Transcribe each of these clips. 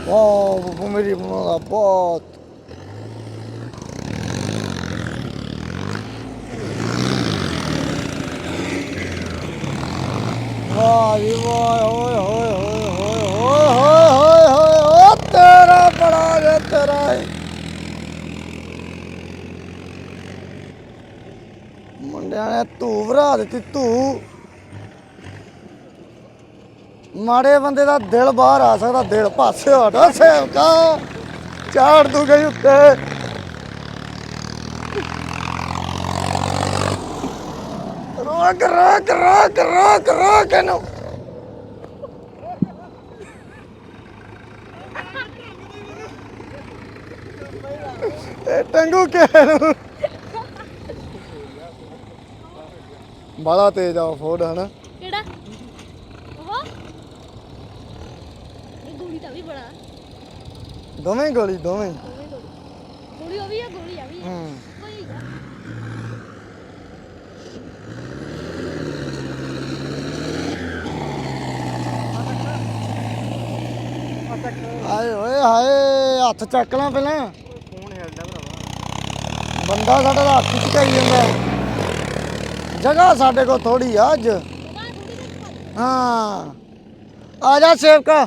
ਵਾਹ ਮੇਰੀ ਬਣਾਉਂਦਾ ਬਹੁਤ ਵਾਹ ਜੀ ਵਾਹ ਓਏ ਹੋਏ ਹੋਏ ਹੋਏ ਹੋਏ ਹੋਏ ਹੋਏ ਓ ਤੇਰਾ ਬੜਾ ਜੇ ਤੇਰਾ ਮੁੰਡਿਆਂ ਨੇ ਧੂ ਭਰਾ ਦਿੱਤੀ ਧੂ ਮਾੜੇ ਬੰਦੇ ਦਾ ਦਿਲ ਬਾਹਰ ਆ ਸਕਦਾ ਦਿਲ ਪਾਸੇ ਹਟਾ ਸੇਵਕਾ ਚਾੜ ਤੂੰ ਗਈ ਉੱਤੇ ਰੋਕ ਰੋਕ ਰੋਕ ਰੋਕ ਰੋਕ ਇਹਨੂੰ ਇਹ ਟੰਗੂ ਕੇ ਬੜਾ ਤੇਜ਼ ਆ ਫੋੜ ਹਨਾ ਕਿਹੜਾ ਉਹ ਇਹ ਗੋਲੀ ਤਾਂ ਵੀ ਬੜਾ ਦੋਵੇਂ ਗੋਲੀ ਦੋਵੇਂ ਗੋਲੀ ਉਹ ਵੀ ਆ ਗੋਲੀ ਆ ਵੀ ਹੂੰ ਕੋਈ ਹਾਏ ਓਏ ਹਾਏ ਹੱਥ ਚੱਕ ਲਾਂ ਪਹਿਲਾਂ ਫੋਨ ਹਿਲਦਾ ਭਰਾਵਾ ਬੰਦਾ ਸਾਡਾ ਤਾਂ ਹੱਥ ਚਕਾਈ ਜਾਂਦਾ ਜਗ੍ਹਾ ਸਾਡੇ ਕੋਲ ਥੋੜੀ ਆ ਅੱਜ ਹਾਂ ਆ ਜਾ ਸੇਵਕਾ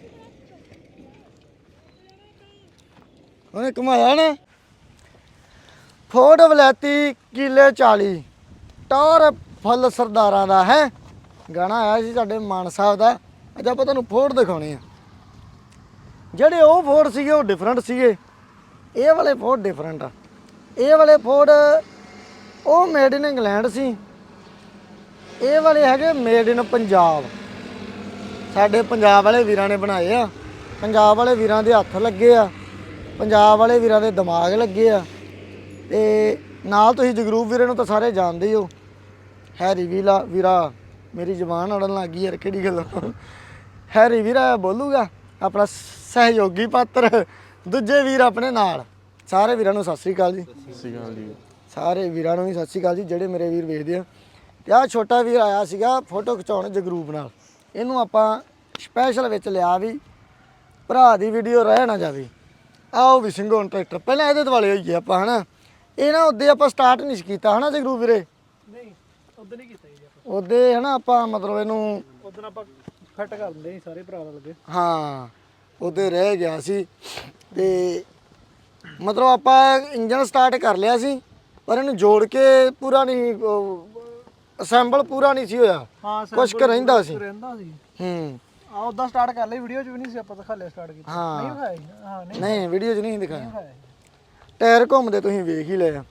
ਉਹਨੇ ਘੁਮਾਇਆ ਨਾ ਫੋਰਡ ਵਲੈਤੀ ਕਿਲੇ 40 ਟੌਰ ਫੁੱਲ ਸਰਦਾਰਾਂ ਦਾ ਹੈ ਗਾਣਾ ਆਇਆ ਸੀ ਸਾਡੇ ਮਾਨ ਸਾਹਿਬ ਦਾ ਅੱਜ ਆਪਾਂ ਤੁਹਾਨੂੰ ਫੋਰਡ ਦਿਖਾਉਣੇ ਆ ਜਿਹੜੇ ਉਹ ਫੋਰਡ ਸੀਗੇ ਉਹ ਡਿਫਰੈਂਟ ਸੀਗੇ ਇਹ ਵਾਲੇ ਫੋਰਡ ਡਿਫਰੈਂਟ ਆ ਇਹ ਵਾਲੇ ਫੋਰਡ ਉਹ ਮੇਡ ਇਨ ਇੰਗਲੈਂਡ ਸੀ ਇਹ ਵਾਲੇ ਹੈਗੇ ਮੇਡ ਇਨ ਪੰਜਾਬ ਸਾਡੇ ਪੰਜਾਬ ਵਾਲੇ ਵੀਰਾਂ ਨੇ ਬਣਾਏ ਆ ਪੰਜਾਬ ਵਾਲੇ ਵੀਰਾਂ ਦੇ ਹੱਥ ਲੱਗੇ ਆ ਪੰਜਾਬ ਵਾਲੇ ਵੀਰਾਂ ਦੇ ਦਿਮਾਗ ਲੱਗੇ ਆ ਤੇ ਨਾਲ ਤੁਸੀਂ ਜਗਰੂਪ ਵੀਰੇ ਨੂੰ ਤਾਂ ਸਾਰੇ ਜਾਣਦੇ ਹੀ ਹੋ ਹੈਰੀ ਵੀਰਾ ਮੇਰੀ ਜ਼ੁਬਾਨ ਅੜਨ ਲੱਗ ਗਈ ਯਾਰ ਕਿਹੜੀ ਗੱਲ ਹੈਰੀ ਵੀਰਾ ਬੋਲੂਗਾ ਆਪਣਾ ਸਹਿਯੋਗੀ ਪਾਤਰ ਦੂਜੇ ਵੀਰ ਆਪਣੇ ਨਾਲ ਸਾਰੇ ਵੀਰਾਂ ਨੂੰ ਸਤਿ ਸ੍ਰੀ ਅਕਾਲ ਜੀ ਸਤਿ ਸ਼੍ਰੀ ਅਕਾਲ ਜੀ ਸਾਰੇ ਵੀਰਾਂ ਨੂੰ ਵੀ ਸਤਿ ਸ੍ਰੀ ਅਕਾਲ ਜੀ ਜਿਹੜੇ ਮੇਰੇ ਵੀਰ ਵੇਖਦੇ ਆ ਤੇ ਆਹ ਛੋਟਾ ਵੀਰ ਆਇਆ ਸੀਗਾ ਫੋਟੋ ਖਿਚਾਉਣ ਜਗਰੂਪ ਨਾਲ ਇਹਨੂੰ ਆਪਾਂ ਸਪੈਸ਼ਲ ਵਿੱਚ ਲਿਆ ਵੀ ਭਰਾ ਦੀ ਵੀਡੀਓ ਰਹਿ ਨਾ ਜਾਵੇ ਆਓ ਵੀ ਸਿੰਘੋਂ ਟਰੈਕਟਰ ਪਹਿਲਾਂ ਇਹਦੇ ਦੁਆਲੇ ਹੋਈਏ ਆਪਾਂ ਹਨਾ ਇਹ ਨਾ ਉੱਦੇ ਆਪਾਂ ਸਟਾਰਟ ਨਹੀਂ ਕੀਤਾ ਹਨਾ ਜਗਰੂਪ ਵੀਰੇ ਨਹੀਂ ਉਦੋਂ ਨਹੀਂ ਕੀਤਾ ਜੀ ਉਹਦੇ ਹਨਾ ਆਪਾਂ ਮਤਲਬ ਇਹਨੂੰ ਉਦੋਂ ਆਪਾਂ ਫਿੱਟ ਕਰ ਦਿੰਦੇ ਸੀ ਸਾਰੇ ਭਰਾ ਲੱਗੇ ਹਾਂ ਉਹਦੇ ਰਹਿ ਗਿਆ ਸੀ ਤੇ ਮਤਲਬ ਆਪਾਂ ਇੰਜਨ ਸਟਾਰਟ ਕਰ ਲਿਆ ਸੀ ਪਰ ਇਹਨੂੰ ਜੋੜ ਕੇ ਪੂਰਾ ਨਹੀਂ ਅਸੈਂਬਲ ਪੂਰਾ ਨਹੀਂ ਸੀ ਹੋਇਆ ਹਾਂ ਕੁਛ ਕੁ ਰਹਿੰਦਾ ਸੀ ਹੂੰ ਆ ਉਦਾਂ ਸਟਾਰਟ ਕਰ ਲਈ ਵੀਡੀਓ 'ਚ ਵੀ ਨਹੀਂ ਸੀ ਆਪਾਂ ਦਿਖਾ ਲਿਆ ਸਟਾਰਟ ਕੀਤਾ ਹਾਂ। ਨਹੀਂ ਵਿਖਾਇਆ ਜੀ? ਹਾਂ ਨਹੀਂ ਨਹੀਂ ਵੀਡੀਓ 'ਚ ਨਹੀਂ ਦਿਖਾਇਆ ਵਿਖਾਇਆ ਜੀ। ਟਾਇਰ ਘੁੰਮਦੇ ਤੁਸੀਂ ਵੇਖ ਹੀ ਲਏ ਆ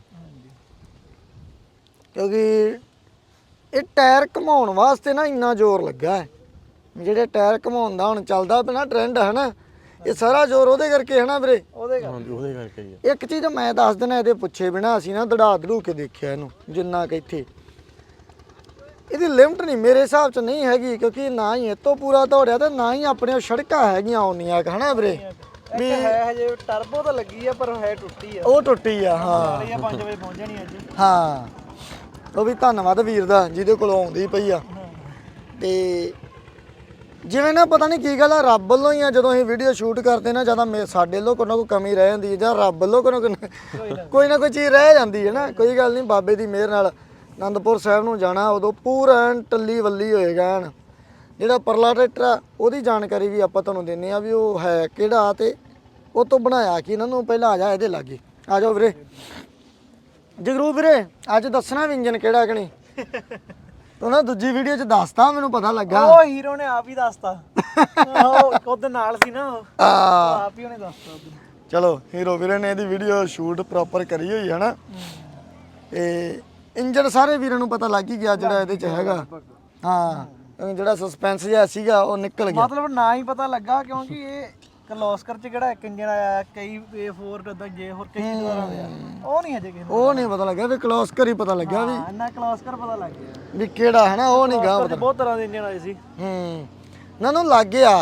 ਕਿਉਂਕਿ ਇਹ ਟਾਇਰ ਘੁਮਾਉਣ ਵਾਸਤੇ ਨਾ ਇੰਨਾ ਜ਼ੋਰ ਲੱਗਾ ਹੈ ਜਿਹੜੇ ਟਾਇਰ ਘੁਮਾਉਣ ਦਾ ਹੁਣ ਚੱਲਦਾ ਪਿਆ ਟ੍ਰੈਂਡ ਹੈ ਨਾ ਇਹ ਸਾਰਾ ਜ਼ੋਰ ਉਹਦੇ ਕਰਕੇ ਹੈ ਨਾ ਵੀਰੇ ਉਹਦੇ ਕਰਕੇ ਹੀ ਇੱਕ ਚੀਜ਼ ਮੈਂ ਦੱਸ ਦਿਨਾ ਇਹਦੇ ਪੁੱਛੇ ਬਿਨਾ ਅਸੀਂ ਨਾ ਦੜਾ ਦੜੂ ਕੇ ਦੇਖਿਆ ਇਹਨੂੰ ਜਿੰਨਾ ਕਿ ਇੱਥੇ ਇਹਦੀ ਲਿਮਟ ਨਹੀਂ ਮੇਰੇ ਹਿਸਾਬ 'ਚ ਨਹੀਂ ਹੈਗੀ ਕਿਉਂਕਿ ਨਾ ਹੀ ਇਹ ਤੋਂ ਪੂਰਾ ਦੌੜਿਆ ਤੇ ਨਾ ਹੀ ਆਪਣੇ ਸੜਕਾਂ ਹੈਗੀਆਂ ਆਉਣੀਆਂ ਹਨਾ ਵੀਰੇ ਵੀ ਹੈ ਹਜੇ ਟਰਬੋ ਤਾਂ ਲੱਗੀ ਆ ਪਰ ਹੈ ਟੁੱਟੀ ਆ ਉਹ ਟੁੱਟੀ ਆ ਹਾਂ 5 ਵਜੇ ਪਹੁੰਚਣੀ ਅੱਜ ਹਾਂ ਉਹ ਵੀ ਧੰਨਵਾਦ ਵੀਰ ਦਾ ਜਿਹਦੇ ਕੋਲ ਆਉਂਦੀ ਪਈ ਆ ਤੇ ਜਿਵੇਂ ਨਾ ਪਤਾ ਨਹੀਂ ਕੀ ਗੱਲ ਆ ਰੱਬ ਵੱਲੋਂ ਹੀ ਆ ਜਦੋਂ ਅਸੀਂ ਵੀਡੀਓ ਸ਼ੂਟ ਕਰਦੇ ਨਾ ਜਿਆਦਾ ਸਾਡੇ ਵੱਲੋਂ ਕੋਈ ਨਾ ਕੋਈ ਕਮੀ ਰਹਿ ਜਾਂਦੀ ਹੈ ਜਾਂ ਰੱਬ ਵੱਲੋਂ ਕੋਈ ਨਾ ਕੋਈ ਚੀਜ਼ ਰਹਿ ਜਾਂਦੀ ਹੈ ਨਾ ਕੋਈ ਗੱਲ ਨਹੀਂ ਬਾਬੇ ਦੀ ਮਿਹਰ ਨਾਲ ਆਨੰਦਪੁਰ ਸਾਹਿਬ ਨੂੰ ਜਾਣਾ ਉਦੋਂ ਪੂਰਾ ਟੱਲੀ ਵੱਲੀ ਹੋਏਗਾ ਐਨ ਜਿਹੜਾ ਪਰਲਾ ਟਰੈਕਟਰ ਆ ਉਹਦੀ ਜਾਣਕਾਰੀ ਵੀ ਆਪਾਂ ਤੁਹਾਨੂੰ ਦਿੰਨੇ ਆ ਵੀ ਉਹ ਹੈ ਕਿਹੜਾ ਤੇ ਉਹ ਤੋਂ ਬਣਾਇਆ ਕਿ ਇਹਨਾਂ ਨੂੰ ਪਹਿਲਾਂ ਆ ਜਾ ਇਹਦੇ ਲਾਗੇ ਆ ਜਾਓ ਵੀਰੇ ਜਗਰੂਪ ਵੀਰੇ ਅੱਜ ਦੱਸਣਾ ਵੀ ਇੰਜਨ ਕਿਹੜਾ ਕਿ ਨਹੀਂ ਤੂੰ ਨਾ ਦੂਜੀ ਵੀਡੀਓ 'ਚ ਦੱਸਤਾ ਮੈਨੂੰ ਪਤਾ ਲੱਗਾ ਉਹ ਹੀਰੋ ਨੇ ਆਪ ਹੀ ਦੱਸਤਾ ਉਹ ਉਹਦੇ ਨਾਲ ਸੀ ਨਾ ਆਪ ਹੀ ਉਹਨੇ ਦੱਸਤਾ ਚਲੋ ਹੀਰੋ ਵੀਰੇ ਨੇ ਇਹਦੀ ਵੀਡੀਓ ਸ਼ੂਟ ਪ੍ਰੋਪਰ ਕਰੀ ਹੋਈ ਹੈ ਨਾ ਤੇ ਇੰਜਨ ਸਾਰੇ ਵੀਰਾਂ ਨੂੰ ਪਤਾ ਲੱਗ ਹੀ ਗਿਆ ਜਿਹੜਾ ਇਹਦੇ 'ਚ ਹੈਗਾ ਹਾਂ ਜਿਹੜਾ ਸਸਪੈਂਸ ਜਿਹਾ ਸੀਗਾ ਉਹ ਨਿਕਲ ਗਿਆ ਮਤਲਬ ਨਾ ਹੀ ਪਤਾ ਲੱਗਾ ਕਿਉਂਕਿ ਇਹ ਕਲੋਸਕਰ 'ਚ ਕਿਹੜਾ ਇੱਕ ਇੰਜਨ ਆਇਆ ਕਈ A4 ਉਦਾਂ ਜੇ ਹੋਰ ਕਈ ਦੁਆਰਾ ਦੇ ਉਹ ਨਹੀਂ ਅਜੇ ਕਿਸੇ ਉਹ ਨਹੀਂ ਪਤਾ ਲੱਗਿਆ ਵੀ ਕਲੋਸਕਰ ਹੀ ਪਤਾ ਲੱਗਿਆ ਵੀ ਇੰਨਾ ਕਲੋਸਕਰ ਪਤਾ ਲੱਗ ਗਿਆ ਵੀ ਕਿਹੜਾ ਹੈ ਨਾ ਉਹ ਨਹੀਂ ਗਾ ਪਤਾ ਬਹੁਤ ਤਰ੍ਹਾਂ ਦੇ ਇੰਜਨ ਆਏ ਸੀ ਨਾ ਨੂੰ ਲੱਗ ਗਿਆ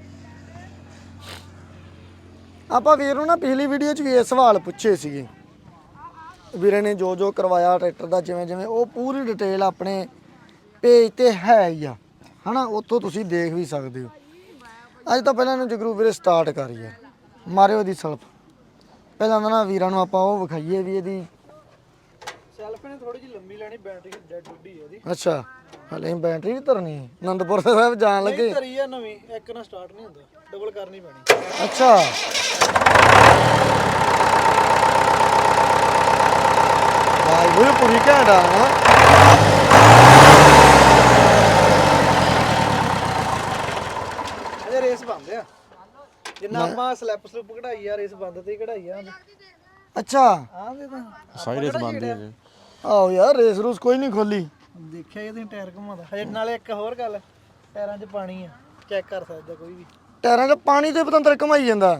ਆਪਾਂ ਵੀਰ ਨੂੰ ਨਾ ਪਿਛਲੀ ਵੀਡੀਓ 'ਚ ਵੀ ਇਹ ਸਵਾਲ ਪੁੱਛੇ ਸੀਗੇ ਵੀਰੇ ਨੇ ਜੋ ਜੋ ਕਰਵਾਇਆ ਟਰੈਕਟਰ ਦਾ ਜਿਵੇਂ ਜਿਵੇਂ ਉਹ ਪੂਰੀ ਡਿਟੇਲ ਆਪਣੇ ਪੇਜ ਤੇ ਹੈ ਹੀ ਆ ਹਨਾ ਉੱਥੋਂ ਤੁਸੀਂ ਦੇਖ ਵੀ ਸਕਦੇ ਹੋ ਅੱਜ ਤਾਂ ਪਹਿਲਾਂ ਇਹਨੂੰ ਜਗਰੂ ਵੀਰੇ ਸਟਾਰਟ ਕਰੀਏ, ਮਾਰਿਓ ਦੀ ਸਲਫ। ਪਹਿਲਾਂ ਤਾਂ ਨਾ ਵੀਰਾਂ ਨੂੰ ਆਪਾਂ ਉਹ ਵਿਖਾਈਏ ਵੀ ਇਹਦੀ ਸੈਲਫ ਨੇ ਥੋੜੀ ਜਿਹੀ ਲੰਮੀ ਲੈਣੀ, ਬੈਟਰੀ ਡੈਡ ਡੁੱਡੀ ਹੈ ਇਹਦੀ। ਅੱਛਾ ਹਲੇ ਬੈਟਰੀ ਵੀ ਧਰਨੀ ਹੈ, ਆਨੰਦਪੁਰ ਸਾਹਿਬ ਜਾਣ ਲੱਗੇ। ਨਹੀਂ ਧਰੀ ਆ ਨਵੀਂ, ਇੱਕ ਨਾਲ ਸਟਾਰਟ ਨਹੀਂ ਹੁੰਦਾ, ਡਬਲ ਕਰਨੀ ਪੈਣੀ। ਅੱਛਾ ਵਾਹ ਉਹ ਪੂਰੀ ਘੈਂਟ ਆ ਨਾ। ਅਜੇ ਰੇਸ ਬੰਦ ਆ, ਜਿੰਨਾ ਆਪਾਂ ਸਲੈਪ ਸਲੂਪ ਕਢਾਈ ਆ, ਰੇਸ ਬੰਦ ਤੇ ਹੀ ਕਢਾਈ ਆ। ਅੱਛਾ ਆਹ ਦੇ ਤਾਂ ਸਾਰੀ ਰੇਸ ਬੰਦ ਹੈ ਜੀ। ਆਓ ਯਾਰ ਰੇਸ ਰੂਸ ਕੋਈ ਨਹੀਂ ਖੋਲੀ। ਦੇਖਿਆ ਇਹਦੇ ਟਾਇਰ ਘੁਮਾਉਂਦਾ ਹਜੇ। ਨਾਲੇ ਇੱਕ ਹੋਰ ਗੱਲ, ਟਾਇਰਾਂ 'ਚ ਪਾਣੀ ਆ, ਚੈੱਕ ਕਰ ਸਕਦਾ ਕੋਈ ਵੀ। ਟਾਇਰਾਂ 'ਚ ਪਾਣੀ ਤੇ ਪਤੰਦਰ ਘਮਾਈ ਜਾਂਦਾ।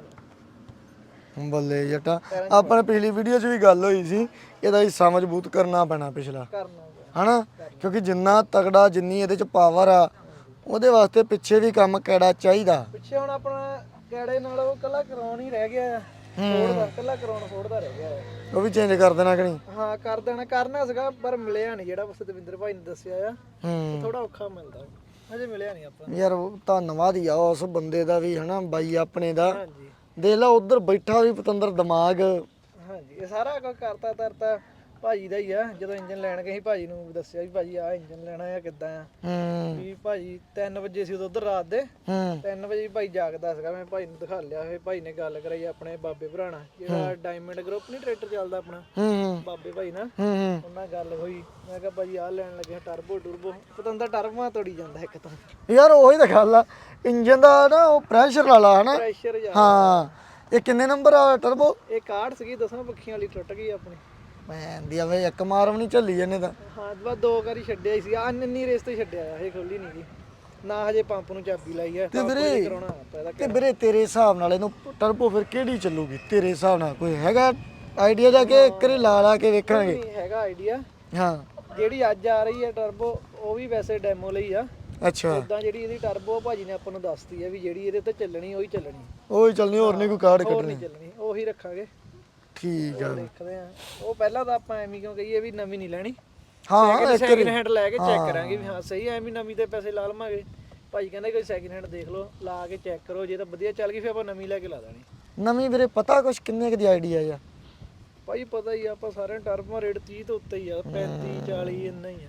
ਬੱਲੇ ਜੱਟਾ, ਆਪਾਂ ਨੇ ਪਿਛਲੀ ਵੀਡੀਓ 'ਚ ਵੀ ਗੱਲ ਹੋਈ ਸੀ, ਇਹਦਾ ਹਿੱਸਾ ਮਜ਼ਬੂਤ ਕਰਨਾ ਪੈਣਾ ਪਿਛਲਾ, ਕਰਨਾ ਹਨਾ? ਕਿਉਂਕਿ ਜਿੰਨਾ ਤਗੜਾ, ਜਿੰਨੀ ਇਹਦੇ 'ਚ ਪਾਵਰ ਆ, ਉਹਦੇ ਵਾਸਤੇ ਪਿੱਛੇ ਵੀ ਕੰਮ ਕਿਹੜਾ ਚਾਹੀਦਾ। ਪਿੱਛੇ ਹੁਣ ਆਪਣਾ ਕੈੜੇ ਨਾਲ ਉਹ ਕੱਲਾ ਕਰਾਉਣ ਹੀ ਰਹਿ ਗਿਆ ਆ, ਫੋੜ ਦਾ ਕੱਲਾ ਕਰਾਉਣ ਫੋੜ ਦਾ ਰਹਿ ਗਿਆ ਆ। ਉਹ ਵੀ ਚੇਂਜ ਕਰ ਦੇਣਾ ਕਿ ਨਹੀਂ? ਹਾਂ ਕਰ ਦੇਣਾ, ਕਰਨਾ ਸੀਗਾ ਪਰ ਮਿਲਿਆ ਨਹੀਂ, ਜਿਹੜਾ ਸਤਿੰਦਰ ਭਾਈ ਨੇ ਦੱਸਿਆ ਆ। ਹੂੰ ਥੋੜਾ ਔਖਾ ਮਿਲਦਾ, ਹਜੇ ਮਿਲਿਆ ਨਹੀਂ ਆਪਾਂ ਨੂੰ। ਯਾਰ ਉਹ ਧੰਨਵਾਦ ਹੀ ਆ ਉਸ ਬੰਦੇ ਦਾ ਵੀ, ਹਨਾ ਬਾਈ ਆਪਣੇ ਦਾ। ਹਾਂਜੀ ਦੇਖ ਲਾ ਉਧਰ ਬੈਠਾ ਵੀ ਪਤੰਦਰ ਦਿਮਾਗ। ਹਾਂਜੀ, ਇਹ ਸਾਰਾ ਕੁਝ ਕਰਤਾ ਤਰਤਾ ਭਾਜੀ ਦਾ ਹੀ ਆ। ਜਦੋਂ ਇੰਜਨ ਲੈਣ ਗਏ ਸੀ, ਭਾਜੀ ਨੂੰ ਦੱਸਿਆ ਵੀ ਭਾਜੀ ਆਹ ਇੰਜਨ ਲੈਣਾ ਆ, ਕਿੱਦਾਂ ਆ। ਹੂੰ ਵੀ ਭਾਜੀ 3 ਵਜੇ ਸੀ ਉਦੋਂ, ਉਧਰ ਰਾਤ ਦੇ ਹੂੰ 3 ਵਜੇ ਭਾਈ ਜਾਗਦਾ ਸੀਗਾ। ਮੈਂ ਭਾਈ ਨੂੰ ਦਿਖਾ ਲਿਆ, ਫਿਰ ਭਾਈ ਨੇ ਗੱਲ ਕਰਾਈ ਆਪਣੇ ਬਾਬੇ ਭਰਾਣਾ, ਜਿਹੜਾ ਡਾਇਮੰਡ ਗਰੁੱਪ ਨਹੀਂ ਟਰੈਕਟਰ ਚੱਲਦਾ ਆਪਣਾ, ਹੂੰ ਬਾਬੇ ਭਾਈ ਨਾਲ। ਹੂੰ ਉਹਨਾਂ ਨਾਲ ਗੱਲ ਹੋਈ, ਮੈਂ ਕਿਹਾ ਭਾਜੀ ਆਹ ਲੈਣ ਲੱਗੇ ਟਰਬੋ ਟੁਰਬੋ। ਪਤੰਦਰ ਟਰਬੋਆਂ ਤੋੜੀ ਜਾਂਦਾ ਇੱਕ ਤਾਂ, ਯਾਰ ਉਹੀ ਤਾਂ ਗੱਲ ਆ, ਇੰਜਨ ਦਾ ਨਾ ਉਹ ਪ੍ਰੈਸ਼ਰ ਵਾਲਾ ਹਨਾ। ਪ੍ਰੈਸ਼ਰ ਜਾ। ਹਾਂ ਇਹ ਕਿੰਨੇ ਨੰਬਰ ਆ ਟਰਬੋ? ਇਹ ਕਾਰਡ ਸੀਗੀ 10 ਪੱਖੀਆਂ ਵਾਲੀ, ਟੁੱਟ ਗਈ ਆਪਣੀ। ਮੈਂ ਦੀ ਆਵੇ ਇੱਕ ਮਾਰ ਵੀ ਨਹੀਂ ਝੱਲੀ ਇਹਨੇ ਤਾਂ। ਹਾਂ ਬਸ 2 ਵਾਰੀ ਛੱਡਿਆ ਹੀ ਸੀ, ਆ ਇੰਨੀ ਰੇਸ ਤੇ ਛੱਡਿਆ ਆ, ਇਹ ਖੋਲੀ ਨਹੀਂ ਗਈ ਨਾ। ਹਜੇ ਪੰਪ ਨੂੰ ਚਾਬੀ ਲਾਈ ਆ, ਤੇ ਪੰਪ ਵੀਰੇ ਕਰਾਉਣਾ ਆਪਾਂ ਇਹਦਾ। ਤੇ ਵੀਰੇ ਤੇਰੇ ਹਿਸਾਬ ਨਾਲ ਇਹਨੂੰ ਟਰਬੋ ਫਿਰ ਕਿਹੜੀ ਚੱਲੂਗੀ ਤੇਰੇ ਹਿਸਾਬ ਨਾਲ? ਕੋਈ ਹੈਗਾ ਆਈਡੀਆ ਜਾ ਕੇ ਇੱਕ ਵਾਰੀ ਲਾ ਕੇ ਵੇਖਾਂਗੇ? ਨਹੀਂ ਹੈਗਾ ਆਈਡੀਆ। ਹਾਂ ਜਿਹੜੀ ਅੱਜ ਆ ਰਹੀ ਹੈ ਟਰਬੋ, ਉਹ ਵੀ ਵੈਸੇ ਡੈਮੋ ਲਈ ਆ। ਅੱਛਾ ਉਦਾਂ ਜਿਹੜੀ ਇਹਦੀ ਟਰਬੋ ਭਾਜੀ ਨੇ ਆਪਾਂ ਨੂੰ ਦੱਸਤੀ ਆ ਵੀ ਜਿਹੜੀ ਇਹਦੇ ਤੇ ਚੱਲਣੀ ਉਹੀ ਚੱਲਣੀ, ਉਹੀ ਚੱਲਣੀ, ਹੋਰ ਨਹੀਂ ਕੋਈ ਕਾਰਡ ਹੋਰ ਕੱਢਣੀ। ਨਹੀਂ ਚੱਲਣੀ, ਉਹੀ ਰੱਖਾਂਗੇ। ਠੀਕ ਆ। ਦੇਖਦੇ ਆ, ਉਹ ਪਹਿਲਾਂ ਤਾਂ ਆਪਾਂ ਐਵੇਂ ਕਿਉਂ ਕਹੀਏ ਵੀ ਨਵੀਂ ਨਹੀਂ ਲੈਣੀ, ਹਾਂ ਸੈਕਿੰਡ ਹੈਂਡ ਲੈ ਕੇ ਚੈੱਕ ਕਰਾਂਗੇ ਵੀ ਹਾਂ ਸਹੀ, ਐਵੇਂ ਨਵੀਂ ਤੇ ਪੈਸੇ ਲਾ ਲਵਾਂਗੇ। ਭਾਈ ਕਹਿੰਦੇ ਕੋਈ ਸੈਕਿੰਡ ਹੈਂਡ ਦੇਖ ਲਓ, ਲਾ ਕੇ ਚੈੱਕ ਕਰੋ, ਜੇ ਤਾਂ ਵਧੀਆ ਚੱਲ ਗਈ ਫਿਰ ਆਪਾਂ ਨਵੀਂ ਲੈ ਕੇ ਲਾ ਦੇਣੀ। ਨਵੀਂ ਵੀਰੇ ਪਤਾ ਕੁਛ ਕਿੰਨੇ ਕੁ ਦੀ ਆਈਡੀਆ ਆ? ਭਾਈ ਪਤਾ ਹੀ ਆ, ਆਪਾਂ ਸਾਰਿਆਂ ਟਰਬੋ ਰੇਟ 30 ਤੋਂ ਉੱਤੇ ਹੀ ਆ, 35 40 ਇੰਨਾ ਹੀ ਆ।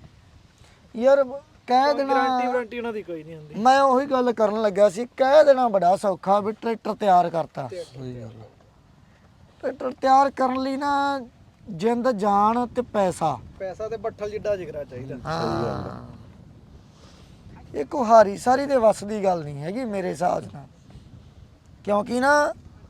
ਯਾਰ ਕਹਿ ਦੇਣਾ, ਗਾਰੰਟੀ ਵਾਰੰਟੀ ਉਹਨਾਂ ਦੀ ਕੋਈ ਨਹੀਂ ਹੁੰਦੀ। ਮੈਂ ਉਹੀ ਗੱਲ ਕਰਨ ਲੱਗਾ ਸੀ, ਕਹਿ ਦੇਣਾ ਬੜਾ ਸੌਖਾ ਵੀ ਟਰੈਕਟਰ ਤਿਆਰ ਕਰਤਾ। ਟਰੈਕਟਰ ਤਿਆਰ ਕਰਨ ਲਈ ਨਾ ਜਿੰਦ ਜਾਨ ਤੇ ਪੈਸਾ ਪੈਸਾ ਤੇ ਬੱਠਲ ਜਿੱਡਾ ਜਿਗਰਾ ਚਾਹੀਦਾ। ਹਾਂ ਇਹ ਕੁਹਾਰੀ ਸਾਰੀ ਦੇ ਵੱਸ ਦੀ ਗੱਲ ਨਹੀਂ ਹੈਗੀ ਮੇਰੇ ਹਿਸਾਬ ਨਾਲ। ਕਿਉਂਕਿ ਨਾ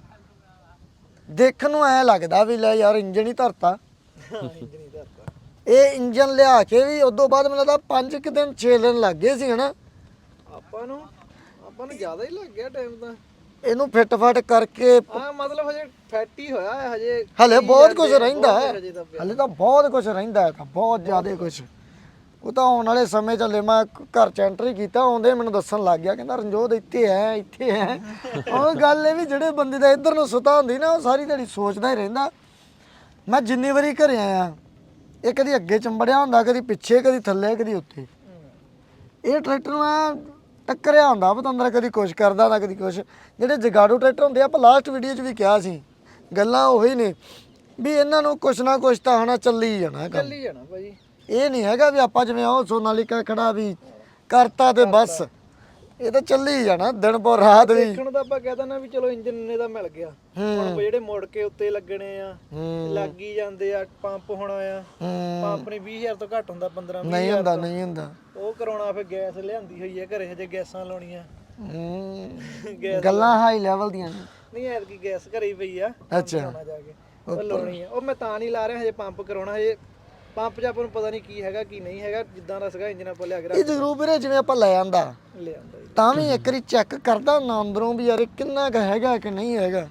ਦੇਖਣ ਨੂੰ ਐ ਲੱਗਦਾ ਵੀ ਲੈ ਯਾਰ ਇੰਜਨ ਹੀ ਧਰਤਾ। ਇੰਜਨ ਹੀ ਧਰਤਾ। ਇਹ ਇੰਜਨ ਲਿਆ ਕੇ ਵੀ ਉਦੋਂ ਬਾਅਦ ਮੈਨੂੰ ਲੱਗਦਾ 5 ਦਿਨ 6 ਦਿਨ ਲੱਗ ਗਏ ਸੀ ਹਨਾ ਆਪਾਂ ਨੂੰ ਜ਼ਿਆਦਾ ਹੀ ਲੱਗ ਗਿਆ ਟਾਈਮ ਤਾਂ। ਇਹਨੂੰ ਫਿੱਟ ਫਾਟ ਕਰਕੇ। ਹਾਂ ਮਤਲਬ ਹਜੇ ਫੈਟ ਹੀ ਹੋਇਆ ਹੈ, ਹਜੇ ਹਲੇ ਬਹੁਤ ਕੁਝ ਰਹਿੰਦਾ ਹੈ, ਹਜੇ ਤਾਂ ਪਿਆ। ਹਲੇ ਤਾਂ ਬਹੁਤ ਕੁਝ ਰਹਿੰਦਾ ਹੈ, ਤਾਂ ਬਹੁਤ ਜ਼ਿਆਦਾ ਕੁਝ। ਉਹ ਤਾਂ ਆਉਣ ਵਾਲੇ ਸਮੇਂ ਚੱਲੇ, ਮੈਂ ਘਰ ਚ ਐਂਟਰੀ ਕੀਤਾ, ਆਉਂਦੇ ਮੈਨੂੰ ਦੱਸਣ ਲੱਗ ਗਿਆ, ਕਹਿੰਦਾ ਰਣਜੋਤ ਇੱਥੇ ਹੈ ਇੱਥੇ ਹੈ। ਉਹ ਗੱਲ ਇਹ ਵੀ ਜਿਹੜੇ ਬੰਦੇ ਦਾ ਇੱਧਰ ਨੂੰ ਸੁਤਾ ਹੁੰਦੀ ਨਾ, ਉਹ ਸਾਰੀ ਦਿਹਾੜੀ ਸੋਚਦਾ ਹੀ ਰਹਿੰਦਾ। ਮੈਂ ਜਿੰਨੀ ਵਾਰੀ ਘਰੇ ਆਇਆ, ਇਹ ਕਦੀ ਅੱਗੇ ਚੰਬੜਿਆ ਹੁੰਦਾ, ਕਦੀ ਪਿੱਛੇ, ਕਦੀ ਥੱਲੇ, ਕਦੀ ਉੱਤੇ। ਇਹ ਟਰੈਕਟਰ ਨੂੰ ਐ ਟੱਕਰਿਆ ਹੁੰਦਾ ਪਤੰਦਰ, ਕਦੀ ਕੁਛ ਕਰਦਾ ਹੁੰਦਾ, ਕਦੀ ਕੁਛ। ਜਿਹੜੇ ਜਗਾੜੂ ਟਰੈਕਟਰ ਹੁੰਦੇ ਆ, ਆਪਾਂ ਲਾਸਟ ਵੀਡੀਓ 'ਚ ਵੀ ਕਿਹਾ ਸੀ, ਗੱਲਾਂ ਉਹੀ ਨੇ ਵੀ ਇਹਨਾਂ ਨੂੰ ਕੁਛ ਨਾ ਕੁਛ ਤਾਂ ਹਨਾ ਚੱਲੀ ਜਾਣਾ ਕੰਮ। ਚੱਲੀ ਜਾਣਾ ਭਾਜੀ। ਇਹ ਨਹੀਂ ਹੈਗਾ ਵੀ ਆਪਾਂ ਜਿਵੇਂ ਉਹ ਸੋਨਾਲੀਕਾ ਖੜਾ ਵੀ ਕਰਤਾ ਤੇ ਬਸ, ਇਹ ਤਾਂ ਚੱਲੀ ਜਾਣਾ ਦਿਨ ਪਰ ਰਾਤ ਵੀ। ਦੇਖਣ ਦਾ ਆਪਾਂ ਕਹਿ ਦਿੰਦੇ ਵੀ ਚਲੋ ਇੰਜਨ ਇੰਨੇ ਦਾ ਮਿਲ ਗਿਆ, ਹੁਣ ਜਿਹੜੇ ਮੁੜ ਕੇ ਉੱਤੇ ਲੱਗਣੇ ਆ ਲੱਗ ਹੀ ਜਾਂਦੇ ਆ। ਪੰਪ ਹੋਣਾ ਆ, ਪੰਪ ਨੇ 20,000 ਤੋਂ ਘੱਟ ਹੁੰਦਾ, 15 ਨਹੀਂ ਹੁੰਦਾ ਨਹੀਂ ਹੁੰਦਾ ਉਹ ਕਰਾਉਣਾ। ਫਿਰ ਗੈਸ ਲਿਆਂਦੀ ਹੋਈ ਹੈ ਘਰੇ, ਹਜੇ ਗੈਸਾਂ ਲਾਉਣੀਆਂ। ਗੱਲਾਂ ਹਾਈ ਲੈਵਲ ਦੀਆਂ ਨੇ। ਨਹੀਂ ਐਤਕੀ ਗੈਸ ਘਰੇ ਹੀ ਪਈ ਆ, ਅੱਛਾ ਜਾ ਕੇ ਉਹ ਲਾਉਣੀ ਆ। ਉਹ ਮੈਂ ਤਾਂ ਨਹੀਂ ਲਾ ਰਿਹਾ, ਹਜੇ ਪੰਪ ਕਰਾਉਣਾ। ਹਜੇ ਪੰਪ 'ਚ ਆਪਾਂ ਨੂੰ ਪਤਾ ਨਹੀਂ ਕੀ ਹੈਗਾ ਕੀ ਨਹੀਂ ਹੈਗਾ, ਜਿੱਦਾਂ ਦਾ ਸੀਗਾ ਇੰਜਨ ਆਪਾਂ ਲਿਆ ਕੇ ਇਹ ਜ਼ਰੂਰ ਵੀਰੇ ਜਿਵੇਂ ਆਪਾਂ ਲੈ ਆਂਦਾ ਲਿਆਂਦਾ ਜੀ। ਤਾਂ ਵੀ ਇੱਕ ਵਾਰੀ ਚੈੱਕ ਕਰਦਾ ਨਾ ਅੰਦਰੋਂ ਵੀ ਯਾਰ ਇਹ ਕਿੰਨਾ ਕੁ ਹੈਗਾ ਕਿ ਨਹੀਂ ਹੈਗਾ,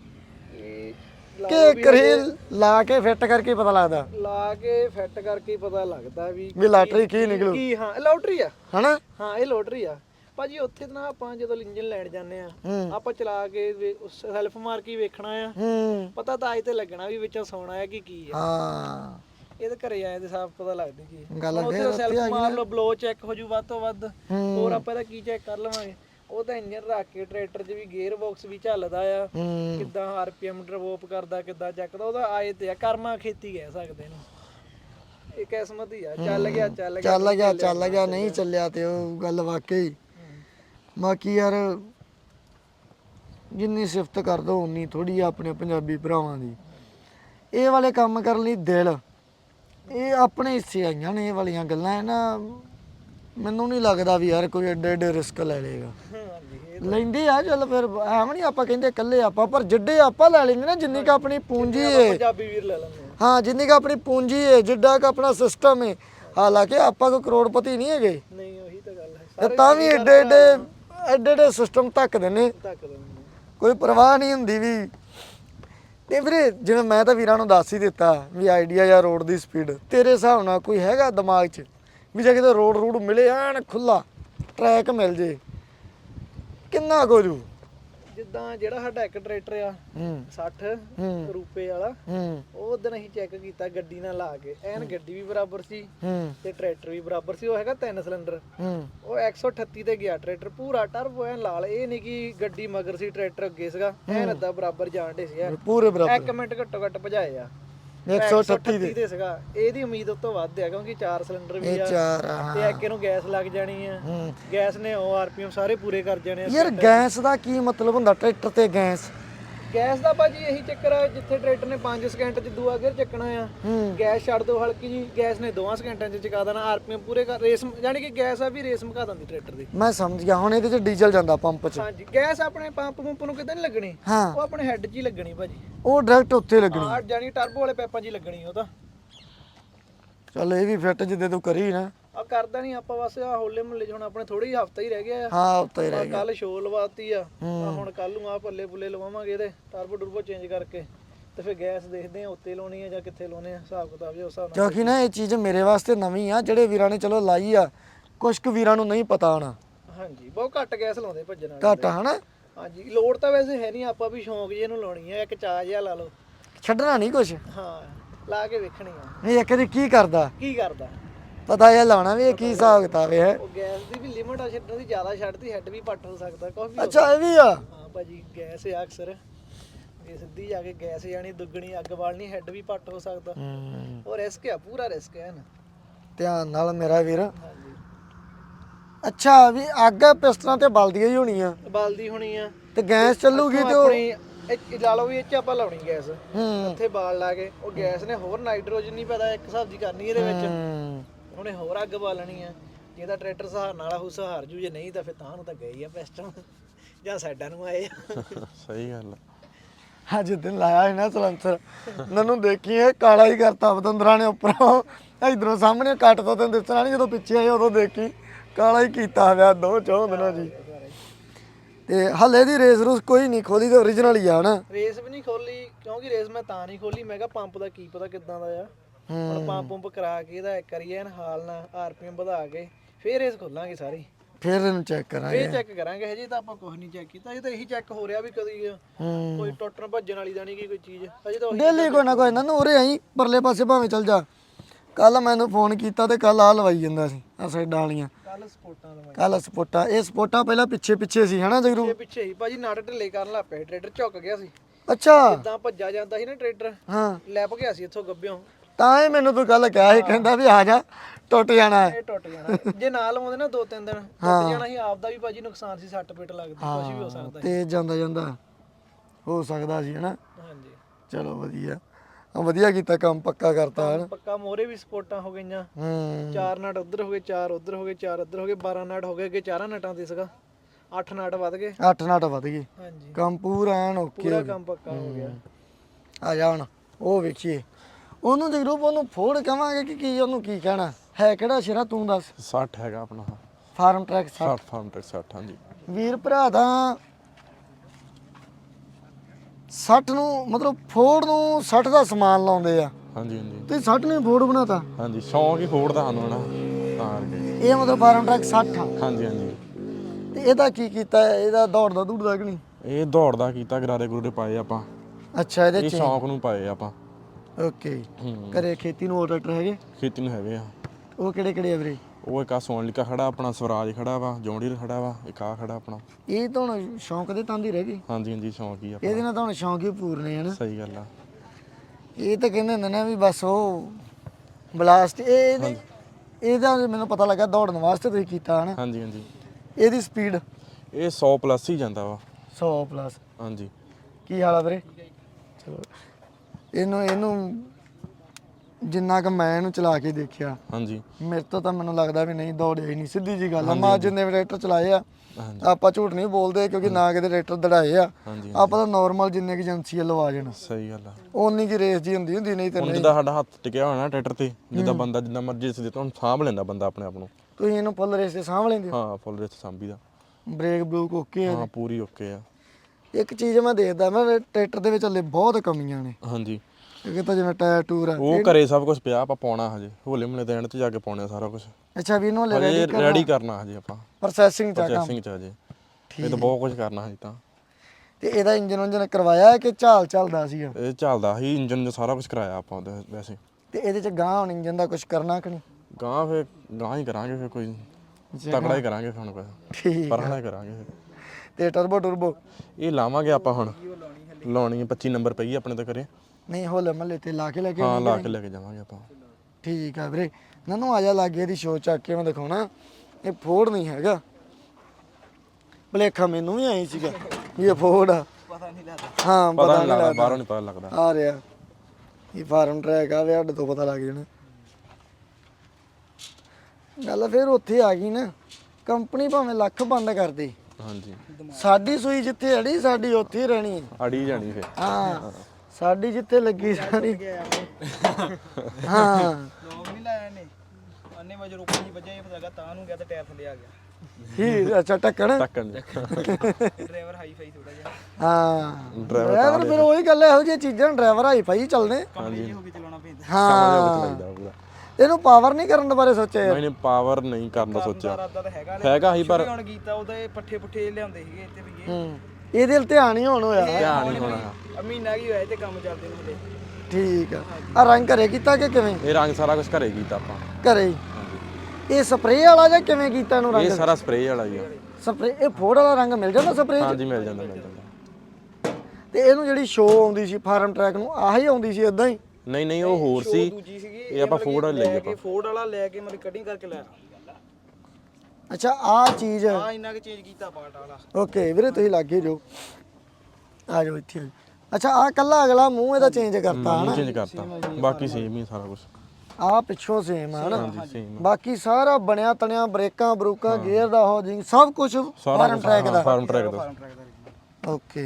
ਕਿ ਕਰੇ ਲਾ ਕੇ ਫਿੱਟ ਕਰਕੇ ਪਤਾ ਲੱਗਦਾ। ਲਾ ਕੇ ਫਿੱਟ ਕਰਕੇ ਪਤਾ ਲੱਗਦਾ ਵੀ ਲਾਟਰੀ ਕੀ ਨਿਕਲੂ ਕੀ। ਹਾਂ ਲੋਟਰੀ ਆ ਹਨਾ। ਹਾਂ ਇਹ ਲੋਟਰੀ ਆ ਭਾਜੀ। ਉੱਥੇ ਤਾਂ ਨਾ ਆਪਾਂ ਜਦੋਂ ਇੰਜਨ ਲੈਣ ਜਾਂਦੇ ਆ, ਆਪਾਂ ਚਲਾ ਕੇ ਸੈਲਫ ਮਾਰ ਕੇ ਵੇਖਣਾ ਆ, ਪਤਾ ਤਾਂ ਅੱਜ ਤੇ ਲੱਗਣਾ ਵੀ ਵਿੱਚੋਂ ਸੋਨਾ ਆ ਕਿ ਕੀ ਆ। ਹਾਂ ਇਹ ਤਾਂ ਘਰੇ ਆਏ ਤੇ ਸਾਫ ਪਤਾ ਲੱਗਦੀ ਕੀ ਗੱਲ ਉੱਥੇ ਸੈਲਫ ਮਾਰ ਲਓ, ਬਲੋ ਚੈੱਕ ਹੋ ਜੂ ਵੱਧ ਤੋਂ ਵੱਧ, ਹੋਰ ਆਪਾਂ ਇਹਦਾ ਕੀ ਚੈੱਕ ਕਰ ਲਵਾਂਗੇ। ਉਹ ਤਾਂ ਇੰਜਨ ਰੱਖ ਕੇ ਟਰੈਕਟਰ 'ਚ ਵੀ ਗੇਅਰ ਬਾਕਸ ਵੀ ਚੱਲਦਾ ਆ, ਹੂੰ ਕਿੱਦਾਂ ਆਰਪੀਐਮ ਡਰਵੋਪ ਕਰਦਾ, ਕਿੱਦਾਂ ਚੱਕਦਾ, ਉਹਦਾ ਆਏ ਤੇ ਆ ਕਰਮਾ ਖੇਤੀ ਕਹਿ ਸਕਦੇ ਇਹਨੂੰ। ਇਹ ਕਿਸਮਤ ਹੀ ਆ, ਚੱਲ ਗਿਆ ਚੱਲ ਗਿਆ ਨਹੀਂ ਚੱਲਿਆ ਤੇ ਉਹ ਗੱਲ ਵਾਕਈ। ਬਾਕੀ ਯਾਰ ਜਿੰਨੀ ਸਿਫਤ ਕਰ ਦੋ ਉਨੀ ਥੋੜੀ ਆ ਆਪਣੇ ਪੰਜਾਬੀ ਭਰਾਵਾਂ ਦੀ। ਇਹ ਵਾਲੇ ਕੰਮ ਕਰਨ ਲਈ ਦਿਲ, ਇਹ ਆਪਣੇ ਹਿੱਸੇ ਆਈਆਂ ਨੇ ਇਹ ਵਾਲੀਆਂ ਗੱਲਾਂ। ਇਹ ਨਾ ਮੈਨੂੰ ਨਹੀਂ ਲੱਗਦਾ ਵੀ ਯਾਰ ਕੋਈ ਐਡੇ ਐਡੇ ਰਿਸਕ ਲੈ ਲੇਗਾ। ਲੈਂਦੇ ਆ ਚੱਲ ਫਿਰ ਐਵੇਂ ਨਹੀਂ ਆਪਾਂ ਕਹਿੰਦੇ ਇਕੱਲੇ ਆਪਾਂ, ਪਰ ਜਿੱਡੇ ਆਪਾਂ ਲੈ ਲੈਂਦੇ ਨਾ ਜਿੰਨੀ ਕ ਆਪਣੀ ਪੂੰਜੀ ਏ, ਪੰਜਾਬੀ ਵੀਰ ਲੈ ਲੈਂਦੇ ਹਾਂ ਜਿੰਨੀ ਕ ਆਪਣੀ ਪੂੰਜੀ ਏ, ਜਿੱਡਾ ਕ ਆਪਣਾ ਸਿਸਟਮ ਏ, ਹਾਲਾਂਕਿ ਆਪਾਂ ਕੋਈ ਕਰੋੜਪਤੀ ਨਹੀਂ ਹੈਗੇ ਨਹੀਂ, ਉਹੀ ਤਾਂ ਗੱਲ ਹੈ। ਤੇ ਤਾਂ ਵੀ ਐਡੇ ਸਿਸਟਮ ਧੱਕਦੇ ਨੇ, ਕੋਈ ਪਰਵਾਹ ਨਹੀਂ ਹੁੰਦੀ ਵੀ। ਤੇ ਵੀਰੇ ਜਿਵੇਂ ਮੈਂ ਤਾਂ ਵੀਰਾਂ ਨੂੰ ਦੱਸ ਹੀ ਦਿੱਤਾ ਵੀ ਆਈਡੀਆ ਜਾਂ ਰੋਡ ਦੀ ਸਪੀਡ ਤੇਰੇ ਹਿਸਾਬ ਨਾਲ ਕੋਈ ਹੈਗਾ ਦਿਮਾਗ 'ਚ ਵੀ ਜੇ ਕਿਤੇ ਰੋਡ ਮਿਲੇ ਐਨ ਖੁੱਲਾ ਟਰੈਕ ਮਿਲ ਜੇ ਕਿੰਨਾ ਕੁ ਜੂ? ਜਿੱਦਾਂ ਜਿਹੜਾ ਸਾਡਾ ਇੱਕ ਟਰੈਕਟਰ ਆ 60 ਰੁਪਏ ਵਾਲਾ, ਉਹ ਉਦੋਂ ਅਸੀਂ ਚੈੱਕ ਕੀਤਾ ਗੱਡੀ ਨਾਲ ਲਾ ਕੇ, ਐਨ ਗੱਡੀ ਵੀ ਬਰਾਬਰ ਸੀ ਤੇ ਟਰੈਕਟਰ ਵੀ ਬਰਾਬਰ ਸੀ। ਉਹ ਹੈਗਾ 3 ਸਿਲੰਡਰ, ਉਹ 138 ਤੇ ਗਿਆ ਟਰੈਕਟਰ, ਪੂਰਾ ਟਰਬੋ ਐਨ ਲਾਲ। ਇਹ ਨਹੀਂ ਕਿ ਗੱਡੀ ਮਗਰ ਸੀ ਟਰੈਕਟਰ ਅੱਗੇ ਸੀਗਾ, ਐਨ ਅੱਧਾ ਬਰਾਬਰ ਜਾਣ ਡੇ ਸੀ ਪੂਰੇ ਬਰਾਬਰ। 1 ਮਿੰਟ ਘੱਟੋ ਘੱਟ ਭਜਾਏ ਆ 138 ਤੇ ਸੀਗਾ। ਇਹਦੀ ਉਮੀਦ ਉਸ ਤੋਂ ਵੱਧ ਆ ਕਿਉਂਕਿ 4 ਸਿਲੰਡਰ ਵੀ ਆ ਤੇ ਇੱਕ ਇਹਨੂੰ ਗੈਸ ਲੱਗ ਜਾਣੀ ਆ, ਗੈਸ ਨੇ ਉਹ ਆਰਪੀਐਮ ਸਾਰੇ ਪੂਰੇ ਕਰ ਜਾਣੇ ਆ। ਯਾਰ ਗੈਸ ਦਾ ਕੀ ਮਤਲਬ ਹੁੰਦਾ ਟਰੈਕਟਰ ਤੇ ਗੈਸ ਦਾ ਭਾਜੀ ਇਹੀ ਚੱਕਰ ਆ, ਜਿੱਥੇ ਟਰੈਕਟਰ ਨੇ 5 ਸਕਿੰਟ 'ਚ ਦੂਆ ਗੇਅਰ ਚੱਕਣਾ ਆ, ਗੈਸ ਛੱਡ ਦੋ ਹਲਕੀ ਜੀ, ਗੈਸ ਨੇ 2 ਸਕਿੰਟਾਂ 'ਚ ਚਕਾ ਦੇਣਾ, ਆਰਪੀਐਮ ਪੂਰੇ ਕਰ ਰੇਸ, ਯਾਨੀ ਕਿ ਗੈਸ ਆ ਵੀ ਰੇਸ ਮੁਕਾ ਦਿੰਦੀ ਟਰੈਕਟਰ ਦੀ। ਮੈਂ ਸਮਝ ਗਿਆ, ਹੁਣ ਇਹਦੇ 'ਚ ਡੀਜ਼ਲ ਜਾਂਦਾ ਪੰਪ 'ਚ। ਹਾਂਜੀ, ਗੈਸ ਆਪਣੇ ਪੰਪ ਨੂੰ ਕਿਤੇ ਨਹੀਂ ਲੱਗਣੀ, ਉਹ ਆਪਣੇ ਹੈੱਡ 'ਚ ਹੀ ਲੱਗਣੀ ਭਾਜੀ, ਉਹ ਡਾਇਰੈਕਟ ਉੱਥੇ ਲੱਗਣੀ। ਹਾਂ, ਜਾਨੀ ਟਰਬੋ ਵਾਲੇ ਪੈਪਾਂ 'ਚ ਹੀ ਲੱਗਣੀ ਉਹ ਤਾਂ। ਚੱਲ ਇਹ ਵੀ ਫਿੱਟ ਜਿੱਦੇ ਤੂੰ ਕਰੀ ਨਾ ਆ ਕਰਦਾ ਨਹੀਂ ਆਪਾਂ, ਬਸ ਆ ਹੋਲੇ ਮੁਹੱਲੇ 'ਚ ਹੁਣ ਆਪਣੇ ਥੋੜੀ ਜਿਹੀ ਹਫਤਾ ਹੀ ਰਹਿ ਗਿਆ ਆ। ਹਾਂ ਹਫਤਾ ਹੀ ਰਹਿ ਗਿਆ। ਕੱਲ ਸ਼ੋ ਲਵਾਤੀ ਆ, ਹੁਣ ਕੱਲ ਨੂੰ ਆ ਪੱਲੇ ਪੁੱਲੇ ਲਵਾਵਾਂਗੇ ਇਹਦੇ, ਟਰਬੋ ਟਰਬੋ ਚੇਂਜ ਕਰਕੇ ਤੇ ਫਿਰ ਗੈਸ ਦੇਖਦੇ ਆ ਉੱਤੇ ਲਾਉਣੀ ਆ ਜਾਂ ਕਿੱਥੇ ਲਾਉਣੇ ਆ, ਹਿਸਾਬ ਕਿਤਾਬ ਜਿਹਾ ਉਸ ਹਿਸਾਬ ਨਾਲ। ਕਿਉਂਕਿ ਨਾ ਇਹ ਚੀਜ਼ ਮੇਰੇ ਵਾਸਤੇ ਨਵੀਂ ਆ, ਜਿਹੜੇ ਵੀਰਾਂ ਨੇ ਚਲੋ ਲਾਈ ਆ, ਕੁਝ ਕੁ ਵੀਰਾਂ ਨੂੰ ਨਹੀਂ ਪਤਾ ਹੋਣਾ। ਹਾਂਜੀ, ਬਹੁਤ ਘੱਟ ਗੈਸ ਲਾਉਂਦੇ ਭੱਜਣ ਵਾਲੇ। ਘੱਟ ਹਨਾ? ਹਾਂਜੀ, ਲੋੜ ਤਾਂ ਵੈਸੇ ਹੈ ਨਹੀਂ, ਆਪਾਂ ਵੀ ਸ਼ੌਂਕ ਜੇ ਨੂੰ ਲਾਉਣੀ ਆ, ਇੱਕ ਚਾਹ ਜਿਹਾ ਲਾ ਲਓ, ਛੱਡਣਾ ਨਹੀਂ ਕੁਝ। ਹਾਂ, ਲਾ ਕੇ ਵੇਖਣੀ ਆ ਨਹੀਂ ਇੱਕ ਵਾਰੀ ਕੀ ਕਰਦਾ ਪਤਾ ਇਹ ਲਾਉਣਾ ਵੀ ਇਹ ਕੀ ਹਿਸਾਬ ਕਿਤਾਬ ਹੈ। ਉਹ ਗੈਸ ਦੀ ਵੀ ਲਿਮਟ ਆ ਛੱਡਣ ਦੀ, ਜ਼ਿਆਦਾ ਛੱਡਦੀ ਹੈਡ ਵੀ ਪੱਟ ਹੋ ਸਕਦਾ ਕੁਝ ਵੀ। ਅੱਛਾ ਇਹ ਵੀ ਆ? ਹਾਂ ਭਾਜੀ, ਗੈਸ ਆ ਅਕਸਰ ਇਹ ਸਿੱਧੀ ਜਾ ਕੇ ਗੈਸ ਜਾਣੀ, ਦੁੱਗਣੀ ਅੱਗ ਬਾਲਣੀ, ਹੈਡ ਵੀ ਪੱਟ ਹੋ ਸਕਦਾ। ਉਹ ਰਿਸਕ ਆ, ਪੂਰਾ ਰਿਸਕ ਹੈ ਨਾ। ਧਿਆਨ ਨਾਲ ਮੇਰਾ ਵੀਰ। ਹਾਂਜੀ। ਅੱਛਾ ਵੀ ਅੱਗ ਪਿਸਤਰਾਂ ਤੇ ਬਲਦੀ ਹੀ ਹੋਣੀ ਆ? ਬਲਦੀ ਹੋਣੀ ਆ ਤੇ ਗੈਸ ਚੱਲੂਗੀ ਤੇ ਉਹ ਲਾ ਲਓ ਵੀ ਇਹ 'ਚ ਆਪਾਂ ਲਾਉਣੀ ਗੈਸ, ਉੱਥੇ ਬਾਲ ਲਾ ਕੇ, ਉਹ ਗੈਸ ਨੇ ਹੋਰ ਨਾਈਟ੍ਰੋਜਨ ਨਹੀਂ ਪੈਦਾ, ਇੱਕ ਹਿਸਾਬ ਦੀ ਕਰਨੀ ਇਹਦੇ ਵਿੱਚ, ਉਹਨੇ ਹੋਰ ਅੱਗ ਬਾਲਣੀ ਆ। ਜੇ ਤਾਂ ਟਰੈਕਟਰ ਸਹਾਰਨ ਵਾਲਾ ਹੋ ਸਹਾਰ ਜੂ, ਜੇ ਨਹੀਂ ਤਾਂ ਫਿਰ ਤਾਂ ਨੂੰ ਤਾਂ ਗਏ ਆ ਪਿਸਟਨ ਜਾਂ ਸਾਈਡਾਂ ਨੂੰ ਆਏ ਆ। ਸਹੀ ਗੱਲ ਆ। ਅੱਜ ਦਿਨ ਲਾਇਆ ਸੀ ਨਾ ਸਲੰਸਰ, ਮੈਨੂੰ ਦੇਖੀ ਇਹ ਕਾਲਾ ਹੀ ਕਰਤਾ ਬਤੰਦਰਾਂ ਨੇ ਉੱਪਰੋਂ, ਇਧਰੋਂ ਸਾਹਮਣੇ ਕੱਟ ਤੋਂ ਤੈਨੂੰ ਦਿਸਣਾ ਨਹੀਂ, ਜਦੋਂ ਪਿੱਛੇ ਆਏ ਉਦੋਂ ਦੇਖੀ ਕਾਲਾ ਹੀ ਕੀਤਾ ਹੋਇਆ 2-4 ਦਿਨਾਂ ਜੀ। ਤੇ ਹਲੇ ਦੀ ਰੇਸ ਰੂਸ ਕੋਈ ਨਹੀਂ ਖੋਲੀ, ਤੇ ਓਰੀਜਨਲ ਹੀ ਆ ਨਾ? ਰੇਸ ਵੀ ਨਹੀਂ ਖੋਲੀ, ਕਿਉਂਕਿ ਰੇਸ ਮੈਂ ਤਾਂ ਨਹੀਂ ਖੋਲੀ, ਮੈਂ ਕਿਹਾ ਪੰਪ ਦਾ ਕੀ ਪਤਾ ਕਿੱਦਾਂ ਦਾ ਆ। ਹੁਣ ਪੰਪ ਕਰਾ ਕੇ ਇਹਦਾ ਇੱਕ ਕਰੀਏ ਨਾ ਹਾਲ ਨਾਲ, ਆਰਪੀਐਮ ਵਧਾ ਕੇ ਫਿਰ ਰੇਸ ਖੋਲਾਂਗੇ ਸਾਰੀ, ਫਿਰ ਇਹਨੂੰ ਚੈੱਕ ਕਰਾਂਗੇ। ਇਹ ਚੈੱਕ ਕਰਾਂਗੇ। ਹਜੇ ਤਾਂ ਆਪਾਂ ਕੁਝ ਨਹੀਂ ਚੈੱਕ ਕੀਤਾ, ਇਹ ਤਾਂ ਇਹੀ ਚੈੱਕ ਹੋ ਰਿਹਾ ਵੀ ਕਦੀ ਕੋਈ ਟੁੱਟਣ ਭੱਜਣ ਵਾਲੀ ਤਾਂ ਨਹੀਂ ਕੋਈ ਚੀਜ਼। ਹਜੇ ਤਾਂ ਡੇਲੀ ਕੋਈ ਨਾ ਕੋਈ ਨਾ ਉਰੇ ਆਈ ਪਰਲੇ ਪਾਸੇ ਭਾਵੇਂ ਚੱਲ ਜਾ। ਕੱਲ ਮੈਨੂੰ ਫੋਨ ਕੀਤਾ ਤੇ ਕੱਲ ਆ ਲਵਾਈ ਜਾਂਦਾ ਸੀ ਆ ਸਾਈਡਾਂ ਵਾਲੀਆਂ, ਕੱਲ ਸਪੋਰਟਾਂ ਲਵਾਈ। ਕੱਲ ਸਪੋਟਾ, ਇਹ ਸਪੋਟਾ ਪਹਿਲਾਂ ਪਿੱਛੇ ਸੀ ਹਨਾ ਜਗਰੂ? ਪਿੱਛੇ ਹੀ ਭਾਜੀ, ਨਟ ਢਿੱਲੇ ਕਰਨ ਲੱਗ ਪਏ, ਟਰੈਕਟਰ ਝੁੱਕ ਗਿਆ ਸੀ। ਅੱਛਾ, ਜਿੱਦਾਂ ਭੱਜਾ ਜਾਂਦਾ ਸੀ ਨਾ ਟਰੈਕਟਰ, ਹਾਂ ਲੈਪ ਗਿਆ ਸੀ ਇੱਥੋਂ ਗੱਬਿਓਂ। ਤਾਂ ਹੀ ਮੈਨੂੰ ਤੂੰ ਕੱਲ ਕਿਹਾ ਸੀ, ਕਹਿੰਦਾ ਵੀ ਆ ਜਾ ਟੁੱਟ ਜਾਣਾ ਹੈ। ਇਹ ਟੁੱਟ ਜਾਣਾ, ਜੇ ਨਾ ਲਵਾਉਂਦੇ ਨਾ 2-3 ਦਿਨ ਟੁੱਟ ਜਾਣਾ ਸੀ। ਆਪ ਦਾ ਵੀ ਭਾਜੀ ਨੁਕਸਾਨ ਸੀ, ਸੱਟ ਪਿੱਟ ਲੱਗਦੀ, ਕੁਝ ਵੀ ਹੋ ਸਕਦਾ ਤੇ ਜਾਂਦਾ ਹੋ ਸਕਦਾ ਸੀ ਹਨਾ। ਹਾਂਜੀ, ਚਲੋ ਵਧੀਆ ਕੀਤਾ, ਕੰਮ ਪੱਕਾ ਕਰਤਾ ਹਨ। ਪੱਕਾ। ਮੋਰੇ ਵੀ ਸਪੋਰਟਾਂ ਹੋ ਗਈਆਂ, 4 ਨਟ ਉਧਰ ਹੋ ਗਏ, 4 ਉਧਰ ਹੋ ਗਏ, 4 ਉਧਰ ਹੋ ਗਏ, 12 ਨਟ ਹੋ ਗਏ। ਅੱਗੇ 4 ਨਟਾਂ ਤੇ ਸੀਗਾ, 8 ਨਟ ਵੱਧ ਗਏ। 8 ਨਟ ਵੱਧ ਗਏ। ਹਾਂਜੀ, ਕੰਮ ਪੂਰਾ ਐਨ ਓਕੇ, ਪੂਰਾ ਕੰਮ ਪੱਕਾ ਹੋ ਗਿਆ। ਆ ਜਾ ਹੁਣ ਉਹ ਵੇਖੀਏ ਉਹਨੂੰ ਜਗਰੂਪ, ਉਹਨੂੰ ਫੋੜ ਕਵਾਂਗੇ ਕਿ ਕੀ, ਉਹਨੂੰ ਕੀ ਕਹਿਣਾ ਹੈ? ਕਿਹੜਾ ਸ਼ੇਰਾ ਤੂੰ ਦੱਸ? 60 ਹੈਗਾ ਆਪਣਾ ਫਾਰਮ ਟਰੈਕ 60 ਫਾਰਮ ਟਰੈਕ 60। ਹਾਂਜੀ ਵੀਰ ਭਰਾ ਦਾ 60 ਨੂੰ ਮਤਲਬ ਫੋੜ ਨੂੰ 60 ਦਾ ਸਮਾਨ ਲਾਉਂਦੇ ਆ। ਹਾਂਜੀ ਹਾਂਜੀ ਤੇ 60 ਨੂੰ ਫੋੜ ਬਣਾਤਾ? ਹਾਂਜੀ, ਸ਼ੌਂਕ ਹੀ ਫੋੜ ਦਾ ਸਾਨੂੰ ਨਾ, ਤਾਂ ਕਰਕੇ ਇਹ ਮਤਲਬ ਫਾਰਮ ਟਰੈਕ 60 ਆ। ਹਾਂਜੀ ਹਾਂਜੀ। ਤੇ ਇਹਦਾ ਕੀ ਕੀਤਾ? ਇਹਦਾ ਦੌੜਦਾ ਕਿ ਨਹੀਂ? ਇਹ ਦੌੜਦਾ ਕੀਤਾ, ਗਰਾਰੇ ਗੁਰੂਰੇ ਪਾਏ ਆਪਾਂ। ਅੱਛਾ, ਇਹਦੇ ਇਹ ਚ ਸ਼ੌਂਕ ਨੂੰ ਪਾਏ ਆਪਾਂ। ਓਕੇ। ਘਰੇ ਖੇਤੀ ਨੂੰ ਹੋਰ ਟਰੈਕਟਰ ਹੈਗੇ? ਖੇਤੀ ਨੂੰ ਹੈਗੇ ਆ। ਉਹ ਕਿਹੜੇ ਆ ਵੀਰੇ? ਉਹ ਇੱਕ ਆ ਸੋਨਲਿਕਾ ਖੜਾ ਆਪਣਾ, ਸਵਰਾਜ ਖੜਾ ਵਾ, ਜੌਂਡੀਰ ਖੜਾ ਵਾ, ਇੱਕ ਆ ਖੜਾ ਆਪਣਾ। ਇਹ ਤਾਂ ਹੁਣ ਸ਼ੌਂਕ ਦੇ ਤੰਦ ਹੀ ਰਹਿ ਗਈ। ਹਾਂਜੀ ਹਾਂਜੀ ਸ਼ੌਂਕ ਹੀ ਆ ਇਹਦੇ ਨਾਲ ਤਾਂ ਹੁਣ ਸ਼ੌਂਕ ਹੀ ਪੂਰਨੇ ਹਨ। ਸਹੀ ਗੱਲ ਆ। ਇਹ ਤਾਂ ਕਹਿੰਦੇ ਹੁੰਦੇ ਨੇ ਵੀ ਬਸ ਉਹ ਬਲਾਸਟ ਇਹਦਾ ਮੈਨੂੰ ਪਤਾ ਲੱਗਾ ਦੌੜਨ ਵਾਸਤੇ ਤੁਸੀਂ ਕੀਤਾ ਹਨ। ਹਾਂਜੀ ਹਾਂਜੀ ਇਹਦੀ ਸਪੀਡ ਇਹ 100 ਪਲੱਸ ਹੀ ਜਾਂਦਾ ਵਾ। 100 ਪਲੱਸ। ਹਾਂਜੀ ਕੀ ਹਾਲ ਆ ਵੀਰੇ? ਚਲੋ ਇਹਨੂੰ ਜਿੰਨਾ ਕੁ ਮੈਂ ਇਹਨੂੰ ਚਲਾ ਕੇ ਦੇਖਿਆ, ਹਾਂਜੀ ਮੇਰੇ ਤੋਂ ਤਾਂ ਮੈਨੂੰ ਲੱਗਦਾ ਵੀ ਨਹੀਂ ਦੌੜਿਆ ਹੀ ਨਹੀਂ, ਸਿੱਧੀ ਜੀ ਗੱਲ ਆ। ਮੈਂ ਜਿੰਨੇ ਵੀ ਟਰੈਕਟਰ ਚਲਾਏ ਆ, ਹਾਂਜੀ ਆਪਾਂ ਝੂਠ ਨਹੀਂ ਬੋਲਦੇ ਕਿਉਂਕਿ ਨਾ ਕਿਤੇ ਟਰੈਕਟਰ ਦੜਾਏ ਆ। ਹਾਂਜੀ ਆਪਾਂ ਤਾਂ ਨਾਰਮਲ ਜਿੰਨੇ ਕਿ ਏਜੰਸੀ ਲਵਾ ਜਾਣ ਸਹੀ ਗੱਲ ਆ। ਓਨੀ ਕੀ ਰੇਸ ਜੀ ਹੁੰਦੀ ਨਹੀਂ ਤੇ ਹੁਣ ਨਹੀਂ। ਜਿੱਦਾਂ ਸਾਡਾ ਹੱਥ ਟਿਕਿਆ ਹੋਣਾ ਟਰੈਕਟਰ ਤੇ, ਜਿੱਦਾਂ ਬੰਦਾ ਜਿੰਨਾ ਮਰਜ਼ੀ ਸਿੱਧੇ ਤੋਂ ਸਾਂਭ ਲੈਂਦਾ ਬੰਦਾ ਆਪਣੇ ਆਪ ਨੂੰ। ਤੁਸੀਂ ਇਹਨੂੰ ਫੁੱਲ ਰੇਸ ਤੇ ਸਾਂਭ ਲੈਂਦੇ ਹੋ? ਹਾਂ ਫੁੱਲ ਰੇਸ ਸਾਂਭੀ ਦਾ। ਬ੍ਰੇਕ ਬਲੂਕ ਓਕੇ ਆ? ਹਾਂ ਪੂਰੀ ਓਕੇ ਆ। ਇੱਕ ਚੀਜ਼ ਮੈਂ ਦੇਖਦਾ ਮੈਂ ਟਰੈਕਟਰ ਦੇ ਵਿੱਚ ਹਲੇ ਬਹੁਤ ਕਮੀਆਂ ਨੇ। ਹਾਂਜੀ ਕਿਉਂਕਿ ਤਾਂ ਜਿਵੇਂ ਟਾਇਰ ਟੂਰ ਆ। ਉਹ ਘਰੇ ਸਭ ਕੁਝ ਪਿਆ, ਆਪਾਂ ਪਾਉਣਾ ਹਜੇ ਹੋਲੇ ਮਹੱਲੇ ਦੇ ਐਂਡ ਤੇ ਜਾ ਕੇ ਪਾਉਣਾ ਸਾਰਾ ਕੁਝ। ਅੱਛਾ ਵੀ ਇਹਨੂੰ ਹਲੇ ਹਜੇ ਰੈਡੀ ਕਰਨਾ ਹਜੇ ਆਪਾਂ, ਪ੍ਰੋਸੈਸਿੰਗ ਚ ਆ ਕੰਮ। ਪ੍ਰੋਸੈਸਿੰਗ ਚ ਹਜੇ ਇਹ ਤਾਂ ਬਹੁਤ ਕੁਝ ਕਰਨਾ ਹਜੇ ਤਾਂ। ਤੇ ਇਹਦਾ ਇੰਜਨ ਕਰਵਾਇਆ ਕਿ ਝਾਲ ਚੱਲਦਾ ਸੀਗਾ? ਇਹ ਚੱਲਦਾ ਸੀ ਇੰਜਨ ਚ ਸਾਰਾ ਕੁਝ ਕਰਾਇਆ ਆਪਾਂ ਉਹਦੇ ਵੈਸੇ। ਤੇ ਇਹਦੇ ਚ ਗਾਂ ਹੁਣ ਇੰਜਨ ਦਾ ਕੁਝ ਕਰਨਾ ਕਿ ਨਹੀਂ? ਗਾਂ ਫੇ ਗਾਂ ਹੀ ਕਰਾਂਗੇ ਫੇ, ਕੋਈ ਤਕੜਾ ਹੀ ਕਰਾਂਗੇ ਹੁਣ ਕੋਈ ਠੀਕ ਪਰਖਣਾ ਹੀ ਕਰਾਂਗੇ ਫਿਰ। ਤੇ ਟਰਬੋ ਟੁਰਬੋ ਇਹ ਲਾਵਾਂਗੇ ਆਪਾਂ ਹੁਣ, ਲਾਉਣੀ ਹੈ 25 ਨੰਬਰ ਪਈ ਆਪਣੇ ਤਾਂ ਘਰੇ। ਨਹੀਂ ਹੋਲੇ ਮਹੱਲੇ ਤੇ ਲਾ ਕੇ ਲੈ ਕੇ ਹਾਂ ਆਉਣੀ ਲਾ ਕਿ ਕੇ ਲੈ ਕੇ ਜਾਵਾਂਗੇ ਆਪਾਂ। ਠੀਕ ਆ ਵੀਰੇ। ਨਾਨੂੰ ਆ ਜਾ ਲਾਗੇ ਇਹਦੀ ਸ਼ੋਅ ਚੱਕ ਕੇ ਮੈਂ ਦਿਖਾਉਣਾ। ਇਹ ਫੋਰਡ ਨਹੀਂ ਹੈਗਾ, ਭਲੇਖਾ ਮੈਨੂੰ ਵੀ ਆਈ ਸੀਗਾ ਵੀ ਇਹ ਫੋਰਡ ਆ। ਪਤਾ ਨਹੀਂ ਲੱਗਦਾ। ਹਾਂ ਪਤਾ ਪਤਾ ਨਹੀਂ ਨਹੀਂ ਲੱਗਦਾ, ਲੱਗਦਾ। ਬਾਹਰੋਂ ਨਹੀਂ ਪਤਾ ਲੱਗਦਾ। ਆ ਰਿਹਾ ਇਹ ਫਾਰਮ ਟਰੈਕ ਆ ਵੇ, ਸਾਡੇ ਤੋਂ ਪਤਾ ਲੱਗ ਜਾਣਾ। ਗੱਲ ਫਿਰ ਉੱਥੇ ਆ ਗਈ ਨਾ, ਕੰਪਨੀ ਭਾਵੇਂ ਲੱਖ ਬੰਦ ਕਰਦੀ, ਹਾਂਜੀ ਸਾਡੀ ਸੂਈ ਜਿੱਥੇ ਅੜੀ ਸਾਡੀ ਉੱਥੇ ਹੀ ਰਹਿਣੀ ਹੈ। ਅੜੀ ਜਾਣੀ ਫੇ। ਹਾਂ ਸਾਡੀ ਜਿੱਥੇ ਲੱਗੀ ਸਾਡੀ। ਹਾਂ ਲੋਕ ਨਹੀਂ ਲਾਇਆ ਨੇ ਅੰਨੇ ਵਜੇ ਰੁਕਣੀ ਨਹੀਂ ਵੱਜਿਆ, ਇਹ ਪਤਾ ਲੱਗਾ ਤਾਂ ਨੂੰ ਗਿਆ ਤੇ ਟਾਇਰ ਥੱਲੇ ਆ ਗਿਆ। ਹੀ ਅੱਛਾ ਟੱਕਣ। ਟੱਕਣ ਡਰਾਈਵਰ ਹਾਈ ਫਾਈ ਥੋੜਾ ਜਿਹਾ। ਹਾਂ ਡਰਾਈਵਰ ਡਰਾਈਵਰ ਫਿਰ ਉਹੀ ਗੱਲ ਇਹੋ ਜਿਹੀਆਂ ਚੀਜ਼ਾਂ ਡਰਾਈਵਰ ਹਾਈ ਫਾਈ ਚੱਲਦੇ। ਕੰਪਨੀ ਹੋ ਕੇ ਚਲਾਉਣਾ ਪੈਂਦਾ। ਹਾਂ ਲੱਗਦਾ ਪੂਰਾ। ਇਹਨੂੰ ਪਾਵਰ ਨਹੀਂ ਕਰਨ ਬਾਰੇ ਸੋਚਿਆ ਯਾਰ? ਨਹੀਂ ਨਹੀਂ ਪਾਵਰ ਨਹੀਂ ਕਰਨ ਦਾ ਸੋਚਿਆ। ਰਾਦਾ ਤਾਂ ਹੈਗਾ ਹੈਗਾ ਹੀ ਪਰ ਹੁਣ ਕੀਤਾ ਉਹਦਾ ਇਹ ਪੱਠੇ ਪੁੱਠੇ ਲਿਆਉਂਦੇ ਸੀਗੇ ਇੱਥੇ ਵੀ ਇਹਦੇ ਵੱਲ ਧਿਆਨ ਹੀ ਹੁਣ ਹੋਇਆ। ਧਿਆਨ ਨਹੀਂ ਹੋਣਾ। ਮਹੀਨਾ ਕੀ ਹੋਇਆ ਤੇ ਕੰਮ ਚੱਲਦੇ ਨੇ ਹਲੇ। ਠੀਕ ਆ ਰੰਗ ਘਰੇ ਕੀਤਾ ਕਿ ਕਿਵੇਂ? ਇਹ ਰੰਗ ਸਾਰਾ ਕੁਝ ਘਰੇ ਕੀਤਾ ਆਪਾਂ। ਘਰੇ ਹੀ? ਇਹ ਸਪਰੇਅ ਵਾਲਾ ਜਾਂ ਕਿਵੇਂ ਕੀਤਾ ਇਹਨੂੰ ਰੰਗ? ਇਹ ਸਾਰਾ ਸਪਰੇਅ ਵਾਲਾ ਹੀ ਆ। ਸਪਰੇਅ ਇਹ ਫੋੜ ਵਾਲਾ ਰੰਗ ਮਿਲ ਜਾਂਦਾ ਸਪਰੇਅ? ਹਾਂਜੀ ਮਿਲ ਜਾਂਦਾ ਮਿਲ ਜਾਂਦਾ। ਤੇ ਇਹਨੂੰ ਜਿਹੜੀ ਸ਼ੋਅ ਆਉਂਦੀ ਸੀ ਫਾਰਮ ਟਰੈਕ ਨੂੰ ਆਹੀ ਆਉਂਦੀ ਸੀ ਇਦਾਂ ਹੀ? ਨਹੀਂ ਨਹੀਂ ਉਹ ਹੋਰ ਸੀ, ਦੂਜੀ ਸੀਗੀ ਇਹ ਆਪਾਂ ਫੋਰਡ ਵਾਲੀ ਲਈ ਆਪਾਂ। ਫੋਰਡ ਵਾਲਾ ਲੈ ਕੇ ਮਤਲਬ ਕਟਿੰਗ ਕਰਕੇ ਲਾਇਆ। ਅੱਛਾ ਆ ਚੀਜ਼ ਆ ਇੰਨਾ ਕਿ ਚੇਂਜ ਕੀਤਾ ਪਾਰਟ ਵਾਲਾ। ਓਕੇ ਵੀਰੇ ਤੁਸੀਂ ਲੱਗੇ ਜੋ ਆ ਜਾਓ ਇੱਥੇ ਆ ਜਾਓ। ਅੱਛਾ ਆ ਕੱਲਾ ਅਗਲਾ ਮੂੰਹ ਇਹਦਾ ਚੇਂਜ ਕਰਤਾ ਹਨਾ? ਚੇਂਜ ਕਰਤਾ, ਬਾਕੀ ਸੇਮ ਹੀ ਸਾਰਾ ਕੁਝ। ਆ ਪਿੱਛੋਂ ਸੇਮ ਆ ਹਨਾ? ਹਾਂਜੀ ਸੇਮ ਬਾਕੀ ਸਾਰਾ ਬਣਿਆ ਤਣਿਆ ਬ੍ਰੇਕਾਂ ਬਰੂਕਾਂ ਗੇਅਰ ਦਾ ਹੋਜਿੰਗ ਸਭ ਕੁਝ ਫਾਰਮ ਟਰੈਕ ਦਾ? ਫਾਰਮ ਟਰੈਕ ਦਾ। ਓਕੇ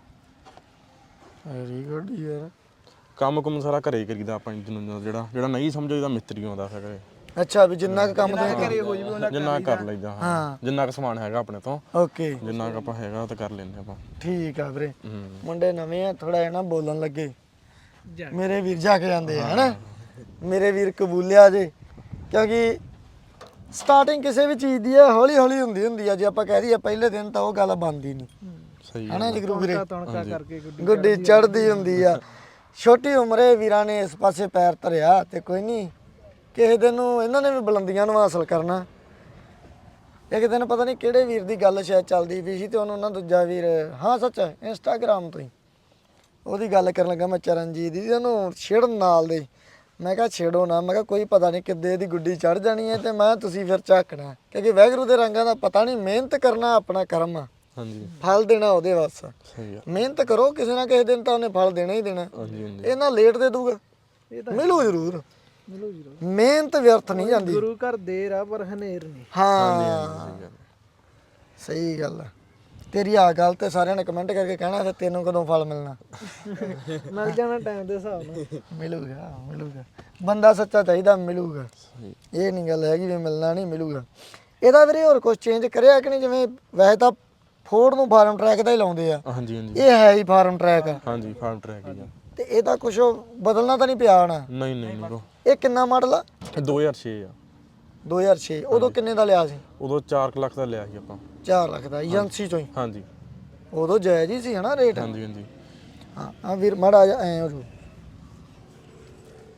ਵੈਰੀ ਗੁੱਡ ਯਾਰ। ਕੰਮ ਕੁਮ ਸਾਰਾ ਘਰੇ ਹੀ ਕਰੀਦਾ ਆਪਾਂ ਇੰਜਨ ਜਿਹੜਾ ਨਹੀਂ ਸਮਝੋ ਇਹਦਾ ਮਿਸਤਰੀ ਆਉਂਦਾ ਹੈਗਾ। ਅੱਛਾ ਵੀ ਜਿੰਨਾ ਕੁ ਕੰਮ ਤੇ ਘਰੇ ਹੋ ਜਵੇ ਉਹਨਾਂ ਜਿੰਨਾ ਕੁ ਕਰ ਲਈਦਾ ਹਾਂ, ਜਿੰਨਾ ਕੁ ਸਮਾਨ ਹੈਗਾ ਆਪਣੇ ਤੋਂ, ਓਕੇ ਜਿੰਨਾ ਕੁ ਆਪਾਂ ਹੈਗਾ ਉਹ ਤਾਂ ਕਰ ਲੈਂਦੇ ਆਪਾਂ। ਠੀਕ ਆ ਵੀਰੇ। ਹੂੰ ਮੁੰਡੇ ਨਵੇਂ ਆ ਥੋੜਾ ਜਿਹਾ ਨਾ ਬੋਲਣ ਲੱਗੇ, ਮੇਰੇ ਵੀਰ ਜਾ ਕੇ ਜਾਂਦੇ ਆ ਹਨਾ? ਮੇਰੇ ਵੀਰ ਕਬੂਲਿਆ ਜੇ, ਕਿਉਂਕਿ ਸਟਾਰਟਿੰਗ ਕਿਸੇ ਵੀ ਚੀਜ਼ ਦੀ ਹੈ ਹੌਲੀ ਹੌਲੀ ਹੁੰਦੀ ਆ। ਜੇ ਆਪਾਂ ਕਹਿ ਦਈਏ ਪਹਿਲੇ ਦਿਨ ਤਾਂ ਉਹ ਗੱਲ ਬਣਦੀ ਨਹੀਂ ਸਹੀ ਹਨਾ ਜਗਰੂ ਵੀਰੇ? ਤਣਕਾ ਕਰਕੇ ਗੁੱਡੀ ਚੜਦੀ ਹੁੰਦੀ ਆ। ਛੋਟੀ ਉਮਰੇ ਵੀਰਾਂ ਨੇ ਇਸ ਪਾਸੇ ਪੈਰ ਧਰਿਆ ਤੇ ਕੋਈ ਨਹੀਂ ਕਿਸੇ ਦਿਨ ਨੂੰ ਇਹਨਾਂ ਨੇ ਵੀ ਬੁਲੰਦੀਆਂ ਨੂੰ ਹਾਸਲ ਕਰਨਾ। ਇੱਕ ਦਿਨ ਪਤਾ ਨਹੀਂ ਕਿਹੜੇ ਵੀਰ ਦੀ ਗੱਲ ਸ਼ਾਇਦ ਚੱਲਦੀ ਪਈ ਸੀ ਤੇ ਉਹਨੂੰ ਨਾ ਦੂਜਾ ਵੀਰ, ਹਾਂ ਸੱਚ ਇੰਸਟਾਗ੍ਰਾਮ ਤੋਂ ਹੀ ਉਹਦੀ ਗੱਲ ਕਰਨ ਲੱਗਾ ਮੈਂ ਚਰਨਜੀਤ ਦੀ, ਉਹਨੂੰ ਛੇੜਨ ਨਾਲ ਦੇ। ਮੈਂ ਕਿਹਾ ਛੇੜੋ ਨਾ, ਮੈਂ ਕਿਹਾ ਕੋਈ ਪਤਾ ਨਹੀਂ ਕਿੱਦੇ ਦੀ ਗੁੱਡੀ ਚੜ ਜਾਣੀ ਹੈ ਤੇ ਮੈਂ ਤੁਸੀਂ ਫਿਰ ਝਾਕਣਾ, ਕਿਉਂਕਿ ਵਾਹਿਗੁਰੂ ਦੇ ਰੰਗਾਂ ਦਾ ਪਤਾ ਨਹੀਂ। ਮਿਹਨਤ ਕਰਨਾ ਆਪਣਾ ਕਰਮ ਆ, ਹਾਂਜੀ ਫਲ ਦੇਣਾ ਉਹਦੇ ਵੱਸ। ਸਹੀ ਆ। ਮਿਹਨਤ ਕਰੋ, ਕਿਸੇ ਨਾ ਕਿਸੇ ਦਿਨ ਤਾਂ ਉਹਨੇ ਫਲ ਦੇਣਾ ਹੀ ਦੇਣਾ। ਹਾਂਜੀ ਹਾਂਜੀ ਇਹ ਨਾ ਲੇਟ ਦੇ ਦੂਗਾ, ਮਿਲੂ ਜ਼ਰੂਰ। ਮਿਹਨਤ ਵਿਅਰਥ ਨਹੀਂ ਜਾਂਦੀ। ਗੁਰੂ ਘਰ ਦੇਰ ਆ ਪਰ ਹਨੇਰ ਨਹੀਂ। ਹਾਂ ਸਹੀ ਗੱਲ ਆ ਤੇਰੀ। ਆ ਗੱਲ ਤੇ ਸਾਰਿਆਂ ਨੇ ਕਮੈਂਟ ਕਰਕੇ ਕਹਿਣਾ ਫਿਰ ਤੈਨੂੰ ਕਦੋਂ ਫਲ ਮਿਲਣਾ? ਮਿਲ ਜਾਣਾ ਟਾਈਮ ਦੇ ਹਿਸਾਬ ਨਾਲ। ਮਿਲੂਗਾ ਬੰਦਾ ਸੱਚਾ ਚਾਹੀਦਾ, ਮਿਲੂਗਾ। ਇਹ ਨਹੀਂ ਗੱਲ ਹੈਗੀ ਵੀ ਮਿਲਣਾ ਨਹੀਂ, ਮਿਲੂਗਾ। ਇਹਦਾ ਵੀਰੇ ਹੋਰ ਕੁਝ ਚੇਂਜ ਕਰਿਆ ਕਿ ਨਹੀਂ? ਜਿਵੇਂ ਵੈਸੇ ਤਾਂ ਫੋਰਡ ਨੂੰ ਫਾਰਮ ਟਰੈਕ ਦਾ ਹੀ ਲਾਉਂਦੇ ਆ, ਹਾਂਜੀ ਹਾਂਜੀ ਇਹ ਹੈ ਹੀ ਫਾਰਮ ਟਰੈਕ ਆ ਹਾਂਜੀ ਫਾਰਮ ਟਰੈਕ ਹੀ ਆ। ਤੇ ਇਹਦਾ ਕੁਝ ਬਦਲਣਾ ਤਾਂ ਨਹੀਂ ਪਿਆ ਹੋਣਾ? ਨਹੀਂ ਨਹੀਂ ਨਹੀਂ ਇਹ ਕਿੰਨਾ ਮਾਡਲ ਆ? ਇਹ 2006 ਆ। 2006 ਉਦੋਂ ਕਿੰਨੇ ਦਾ ਲਿਆ ਸੀ? ਉਦੋਂ 4 ਲੱਖ ਦਾ ਲਿਆ ਸੀ ਆਪਾਂ। 4 ਲੱਖ ਦਾ ਏਜੰਸੀ ਚੋਂ ਹੀ? ਹਾਂਜੀ ਉਦੋਂ ਜਾਇਜ਼ ਹੀ ਸੀ ਹਨਾ ਰੇਟ? ਹਾਂਜੀ ਹਾਂਜੀ ਹਾਂ ਆ ਵੀਰ ਮਾੜਾ ਜਿਹਾ ਐ ਹੋ ਜੂ।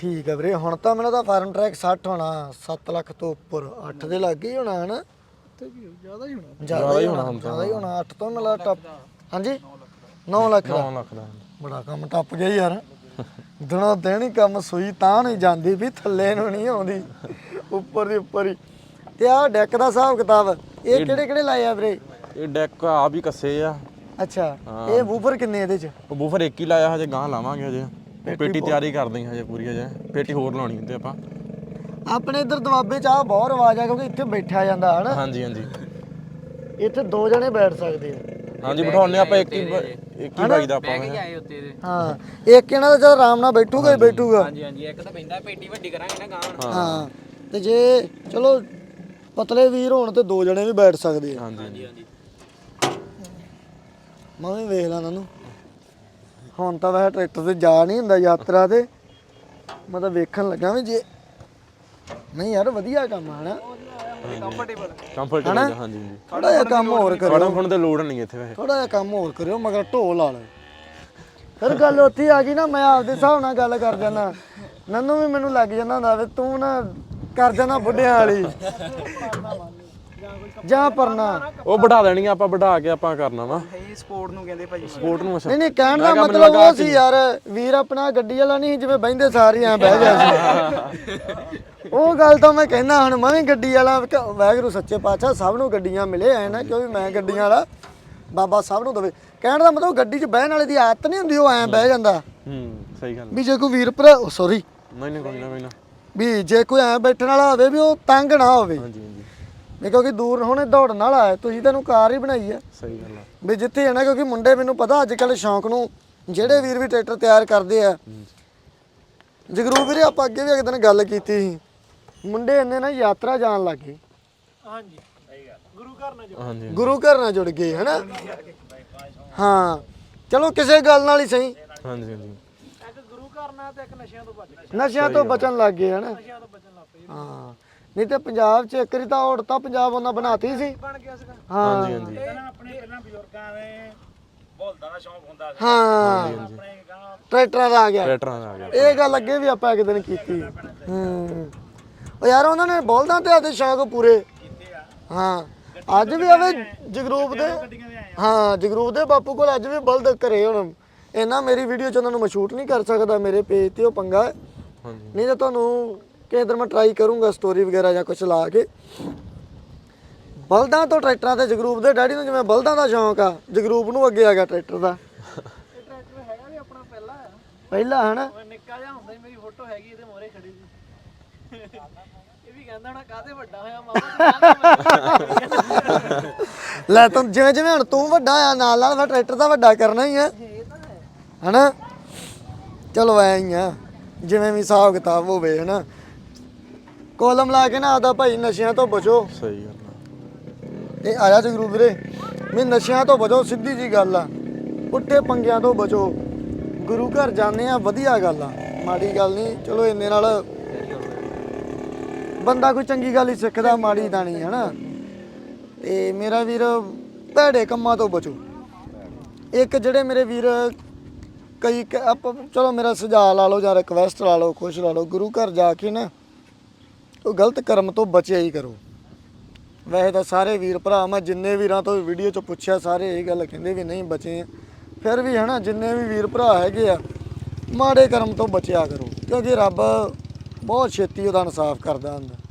ਠੀਕ ਹੈ ਵੀਰੇ ਹੁਣ ਤਾਂ ਮੈਨੂੰ ਤਾਂ ਫਾਰਮ ਟਰੈਕ 60 ਹੋਣਾ 7 ਲੱਖ ਤੋਂ ਉੱਪਰ 8 ਦੇ ਲੱਗੇ ਹੀ ਹੋਣਾ ਹਨਾ ਤੇ ਵੀ ਜ਼ਿਆਦਾ ਹੀ ਹੋਣਾ। ਜ਼ਿਆਦਾ ਹੀ ਹੋਣਾ ਜ਼ਿਆਦਾ ਹੀ ਹੋਣਾ 8 ਤੋਂ ਮਿਲਾ ਟੱਪ ਹਾਂਜੀ 9 ਲੱਖ ਦਾ 9 ਲੱਖ ਦਾ ਬੜਾ ਕੰਮ ਟੱਪ ਗਿਆ ਯਾਰ ਦਿਨੋਂ ਦਿਨ ਹੀ ਕੰਮ ਸੂਈ ਤਾਂ ਨਹੀਂ ਜਾਂਦੀ ਵੀ ਥੱਲੇ ਨੂੰ ਨਹੀਂ ਆਉਂਦੀ ਉੱਪਰ ਦੀ ਉੱਪਰ ਹੀ ਤੇ ਆਹ ਡੈਕ ਦਾ ਹਿਸਾਬ ਕਿਤਾਬ ਇਹ ਕਿਹੜੇ ਕਿਹੜੇ ਲਾਏ ਆ ਵੀਰੇ ਇਹ ਡੈਕ ਆ ਵੀ ਕੱਸੇ ਆ ਅੱਛਾ ਇਹ ਵੂਫਰ ਕਿੰਨੇ ਇਹਦੇ ਚ ਉਹ ਬੂਫਰ ਇੱਕ ਹੀ ਲਾਇਆ ਹਜੇ ਗਾਂ ਲਾਵਾਂਗੇ ਹਜੇ ਉਹ ਪੇਟੀ ਤਿਆਰੀ ਕਰਦੇ ਹਾਂ ਹਜੇ ਪੂਰੀ ਹਜੇ ਪੇਟੀ ਹੋਰ ਲਾਉਣੀ ਹੁੰਦੀ ਆਪਾਂ ਆਪਣੇ ਇੱਧਰ ਦਵਾਬੇ ਚ ਆ ਬਹੁਤ ਰਿਵਾਜ ਆ ਕਿਉਂਕਿ ਇੱਥੇ ਬੈਠਿਆ ਜਾਂਦਾ ਹਨਾ ਹਾਂਜੀ ਹਾਂਜੀ ਇੱਥੇ 2 ਜਣੇ ਬੈਠ ਸਕਦੇ ਆ ਹਾਂਜੀ ਬਿਠਾਉਣੇ ਆਪਾਂ ਇੱਕ ਹੀ ਬਾਈ ਦਾ ਆਪਾਂ ਆਏ ਉੱਤੇ ਦੇ ਹਾਂ ਇੱਕ ਇਹਨਾਂ ਦਾ ਜਦ ਆਰਾਮ ਨਾਲ ਬੈਠੂਗਾ ਹੀ ਬੈਠੂਗਾ ਹਾਂਜੀ ਹਾਂਜੀ ਇੱਕ ਤਾਂ ਪੈਂਦਾ ਪੇਟੀ ਵੱਡੀ ਕਰਾਂਗੇ ਨਾ ਗਾਂ ਹਾਂ ਤੇ ਜੇ ਚਲੋ ਪਤਲੇ ਵੀਰ ਹੋਣ ਤੇ 2 ਜਣੇ ਵੀ ਬੈਠ ਸਕਦੇ ਆ ਹਾਂਜੀ ਹਾਂਜੀ ਮੈਂ ਵੀ ਵੇਖ ਲਾਂ ਨੂੰ ਹੁਣ ਤਾਂ ਵੈਸੇ ਟਰੈਕਟਰ ਤੇ ਜਾ ਨਹੀਂ ਹੁੰਦਾ ਯਾਤਰਾ ਤੇ ਮੈਂ ਤਾਂ ਵੇਖਣ ਲੱਗਾ ਵੀ ਜੇ ਨਹੀਂ ਯਾਰ ਵਧੀਆ ਕੰਮ ਆ ਹਨਾ ਕੰਫਰਟੇਬਲ ਹਾਂਜੀ ਹਾਂਜੀ ਥੋੜਾ ਜਿਹਾ ਕੰਮ ਹੋਰ ਕਰਿਓ ਫੜਨ ਫੜਨ ਤੇ ਲੋੜ ਨਹੀਂ ਇੱਥੇ ਵੈਸੇ ਥੋੜਾ ਜਿਹਾ ਕੰਮ ਹੋਰ ਕਰਿਓ ਮਗਰ ਢੋ ਲਾ ਲਓ ਫਿਰ ਗੱਲ ਉੱਥੇ ਆ ਗਈ ਨਾ ਮੈਂ ਆਪਦੇ ਹਿਸਾਬ ਨਾਲ ਗੱਲ ਕਰ ਜਾਂਦਾ ਨੰਨੂ ਵੀ ਮੈਨੂੰ ਲੱਗ ਜਾਂਦਾ ਹੁੰਦਾ ਵੀ ਤੂੰ ਨਾ ਕਰ ਜਾਂਦਾ ਬੁੱਢਿਆਂ ਵਾਲੀ ਜਾਂ ਪਰਨਾ ਉਹ ਵਧਾ ਦੇਣੀ ਆਪਾਂ ਵਧਾ ਕੇ ਆਪਾਂ ਕਰਨਾ ਵਾ ਇਹ ਸਪੋਰਟ ਨੂੰ ਕਹਿੰਦੇ ਭਾਜੀ ਸਪੋਰਟ ਨੂੰ ਅੱਛਾ ਨਹੀਂ ਨਹੀਂ ਕਹਿਣ ਦਾ ਮਤਲਬ ਉਹ ਸੀ ਯਾਰ ਵੀਰ ਆਪਣਾ ਗੱਡੀ ਵਾਲਾ ਨਹੀਂ ਜਿਵੇਂ ਬਹਿੰਦੇ ਸਾਰੇ ਐ ਬਹਿ ਗਿਆ ਸੀ ਉਹ ਗੱਲ ਤਾਂ ਮੈਂ ਕਹਿੰਦਾ ਹੁਣ ਮੈਂ ਵੀ ਗੱਡੀ ਵਾਲਾ ਵਾਹਿਗੁਰੂ ਸੱਚੇ ਪਾਤਸ਼ਾਹ ਸਭ ਨੂੰ ਗੱਡੀਆਂ ਮਿਲੇ ਐ ਨਾ ਕਿਉਂਕਿ ਮੈਂ ਗੱਡੀਆਂ ਵਾਲਾ ਬਾਬਾ ਸਭ ਨੂੰ ਦਵੇ ਕਹਿਣ ਦਾ ਮਤਲਬ ਗੱਡੀ 'ਚ ਬਹਿਣ ਵਾਲੇ ਦੀ ਆਦਤ ਨਹੀਂ ਹੁੰਦੀ ਉਹ ਐ ਬਹਿ ਜਾਂਦਾ ਸਹੀ ਗੱਲ ਵੀ ਜੇ ਕੋਈ ਵੀਰ ਭਰਾ ਸੌਰੀ ਨਹੀਂ ਕੋਈ ਨਾ ਵੀ ਜੇ ਕੋਈ ਐ ਬੈਠਣ ਵਾਲਾ ਹੋਵੇ ਵੀ ਉਹ ਤੰਗ ਨਾ ਹੋਵੇ ਹਾਂਜੀ ਹਾਂਜੀ ਨਹੀਂ ਕਿਉਂਕਿ ਦੂਰ ਹੁਣੇ ਦੌੜਨ ਵਾਲਾ ਹੈ ਤੁਸੀਂ ਤੈਨੂੰ ਕਾਰ ਹੀ ਬਣਾਈ ਹੈ ਸਹੀ ਗੱਲ ਆ ਵੀ ਜਿੱਥੇ ਹੈ ਨਾ ਕਿਉਂਕਿ ਮੁੰਡੇ ਮੈਨੂੰ ਪਤਾ ਅੱਜ ਕੱਲ੍ਹ ਸ਼ੌਂਕ ਨੂੰ ਜਿਹੜੇ ਵੀਰ ਵੀ ਟਰੈਕਟਰ ਤਿਆਰ ਕਰਦੇ ਆ ਜਗਰੂ ਵੀਰੇ ਆਪਾਂ ਅੱਗੇ ਵੀ ਇੱਕ ਦਿਨ ਗੱਲ ਕੀਤੀ ਸੀ ਮੁੰਡੇ ਇੰਨੇ ਨਾ ਯਾਤਰਾ ਜਾਣ ਲੱਗ ਗਏ ਹਾਂਜੀ ਗੁਰੂ ਘਰ ਨਾਲ ਹਾਂਜੀ ਗੁਰੂ ਘਰ ਨਾਲ ਜੁੜ ਗਏ ਹਨਾ ਹਾਂ ਚਲੋ ਕਿਸੇ ਗੱਲ ਨਾਲ ਹੀ ਸਹੀ ਹਾਂਜੀ ਹਾਂਜੀ ਇੱਕ ਗੁਰੂ ਘਰ ਨਾਲ ਤੇ ਇੱਕ ਨਸ਼ਿਆਂ ਤੋਂ ਬਚ ਗਏ ਨਸ਼ਿਆਂ ਤੋਂ ਬਚਣ ਲੱਗ ਗਏ ਹਨਾ ਨਸ਼ਿਆਂ ਤੋਂ ਬਚਣ ਲੱਗ ਪਏ ਹਾਂ ਨਹੀਂ ਤੇ ਪੰਜਾਬ 'ਚ ਇੱਕ ਵਾਰੀ ਤਾਂ ਔੜਤਾ ਪੰਜਾਬ ਉਹਨਾਂ ਬਣਾਤੀ ਸੀ ਬਣ ਗਿਆ ਸੀਗਾ ਹਾਂ ਹਾਂਜੀ ਆਪਣੇ ਪਹਿਲਾਂ ਬਜ਼ੁਰਗਾਂ ਦੇ ਬੋਲਦਾਂ ਦਾ ਸ਼ੌਂਕ ਹੁੰਦਾ ਸੀ ਹਾਂ ਆਪਣੇ ਗਾਂ ਟਰੈਕਟਰਾਂ ਦਾ ਆ ਗਿਆ ਟਰੈਕਟਰਾਂ ਦਾ ਆ ਗਿਆ ਇਹ ਗੱਲ ਅੱਗੇ ਵੀ ਆਪਾਂ ਇੱਕ ਦਿਨ ਕੀਤੀ ਉਹ ਯਾਰ ਉਹਨਾਂ ਨੇ ਬਲਦਾਂ ਤੇ ਆਦੇ ਸ਼ੌਕ ਪੂਰੇ ਹਾਂ ਅੱਜ ਵੀ ਆਵੇ ਜਗਰੂਪ ਦੇ ਹਾਂ ਜਗਰੂਪ ਦੇ ਬਾਪੂ ਕੋਲ ਅੱਜ ਵੀ ਬਲਦ ਘਰੇ ਹੁਣ ਇਹਨਾਂ ਮੇਰੀ ਵੀਡੀਓ 'ਚ ਉਹਨਾਂ ਨੂੰ ਮੈਂ ਸ਼ੂਟ ਨਹੀਂ ਕਰ ਸਕਦਾ ਮੇਰੇ ਪੇਜ ਤੇ ਉਹ ਪੰਗਾ ਹੈ ਹਾਂਜੀ ਨਹੀਂ ਤਾਂ ਤੁਹਾਨੂੰ ਕਿਸੇ ਦਿਨ ਮੈਂ ਟਰਾਈ ਕਰੂੰਗਾ ਸਟੋਰੀ ਵਗੈਰਾ ਜਾਂ ਕੁਝ ਲਾ ਕੇ ਬਲਦਾਂ ਤੋਂ ਟਰੈਕਟਰਾਂ ਤੇ ਜਗਰੂਪ ਦੇ ਡੈਡੀ ਨੂੰ ਜਿਵੇਂ ਬਲਦਾਂ ਦਾ ਸ਼ੌਂਕ ਆ ਜਗਰੂਪ ਨੂੰ ਅੱਗੇ ਆ ਗਿਆ ਟਰੈਕਟਰ ਦਾ ਇਹ ਟਰੈਕਟਰ ਹੈਗਾ ਵੀ ਆਪਣਾ ਪਹਿਲਾ ਆ ਪਹਿਲਾਂ ਹਨਾ ਮੈਂ ਨਿੱਕਾ ਜਿਹਾ ਹੁੰਦਾ ਸੀ ਮੇਰੀ ਫੋਟੋ ਹੈਗੀ ਇਹਦੇ ਮੋਹਰੇ ਖੜੀ ਸੀ ਇਹ ਵੀ ਕਹਿੰਦਾ ਹੋਣਾ ਕਾਹਦੇ ਵੱਡਾ ਹੋਇਆ ਮਾਮਾ ਲੈ ਤੂੰ ਜਿਵੇਂ ਜਿਵੇਂ ਹੁਣ ਤੂੰ ਵੱਡਾ ਆ ਨਾਲ ਨਾਲ ਫਿਰ ਟਰੈਕਟਰ ਤਾਂ ਵੱਡਾ ਕਰਨਾ ਹੀ ਆ ਹਨਾ ਚਲੋ ਐ ਹੀ ਆ ਜਿਵੇਂ ਵੀ ਹਿਸਾਬ ਕਿਤਾਬ ਹੋਵੇ ਹਨਾ ਕੋਲਮ ਲਾ ਕੇ ਨਾ ਆਦਾ ਭਾਈ ਨਸ਼ਿਆਂ ਤੋਂ ਬਚੋ ਸਹੀ ਗੱਲ ਆ ਤੇ ਆਇਆ ਜਗਰੂ ਵੀਰੇ ਵੀ ਨਸ਼ਿਆਂ ਤੋਂ ਬਚੋ ਸਿੱਧੀ ਜੀ ਗੱਲ ਆ ਪੁੱਠੇ ਪੰਗਿਆਂ ਤੋਂ ਬਚੋ ਗੁਰੂ ਘਰ ਜਾਂਦੇ ਆ ਵਧੀਆ ਗੱਲ ਆ ਮਾੜੀ ਗੱਲ ਨਹੀਂ ਚਲੋ ਇੰਨੇ ਨਾਲ ਬੰਦਾ ਕੋਈ ਚੰਗੀ ਗੱਲ ਹੀ ਸਿੱਖਦਾ ਮਾੜੀ ਤਾਂ ਨਹੀਂ ਹਨਾ ਤੇ ਮੇਰਾ ਵੀਰ ਭੈੜੇ ਕੰਮਾਂ ਤੋਂ ਬਚੋ ਇੱਕ ਜਿਹੜੇ ਮੇਰੇ ਵੀਰ ਕਈ ਚਲੋ ਮੇਰਾ ਸੁਝਾਅ ਲਾ ਲਓ ਜਾਂ ਰਿਕਵੈਸਟ ਲਾ ਲਓ ਕੁਛ ਲਾ ਲਓ ਗੁਰੂ ਘਰ ਜਾ ਕੇ ਨਾ ਉਹ ਗਲਤ ਕਰਮ ਤੋਂ ਬਚਿਆ ਹੀ ਕਰੋ ਵੈਸੇ ਤਾਂ ਸਾਰੇ ਵੀਰ ਭਰਾ ਮੈਂ ਜਿੰਨੇ ਵੀਰਾਂ ਤੋਂ ਵੀਡੀਓ 'ਚ ਪੁੱਛਿਆ ਸਾਰੇ ਇਹ ਗੱਲ ਕਹਿੰਦੇ ਵੀ ਨਹੀਂ ਬਚੇ ਆ ਫਿਰ ਵੀ ਹਨਾ ਜਿੰਨੇ ਵੀ ਵੀਰ ਭਰਾ ਹੈਗੇ ਆ ਮਾੜੇ ਕਰਮ ਤੋਂ ਬਚਿਆ ਕਰੋ ਕਿਉਂਕਿ ਰੱਬ ਬਹੁਤ ਛੇਤੀ ਉਹਦਾ ਇਨਸਾਫ ਕਰਦਾ ਹੁੰਦਾ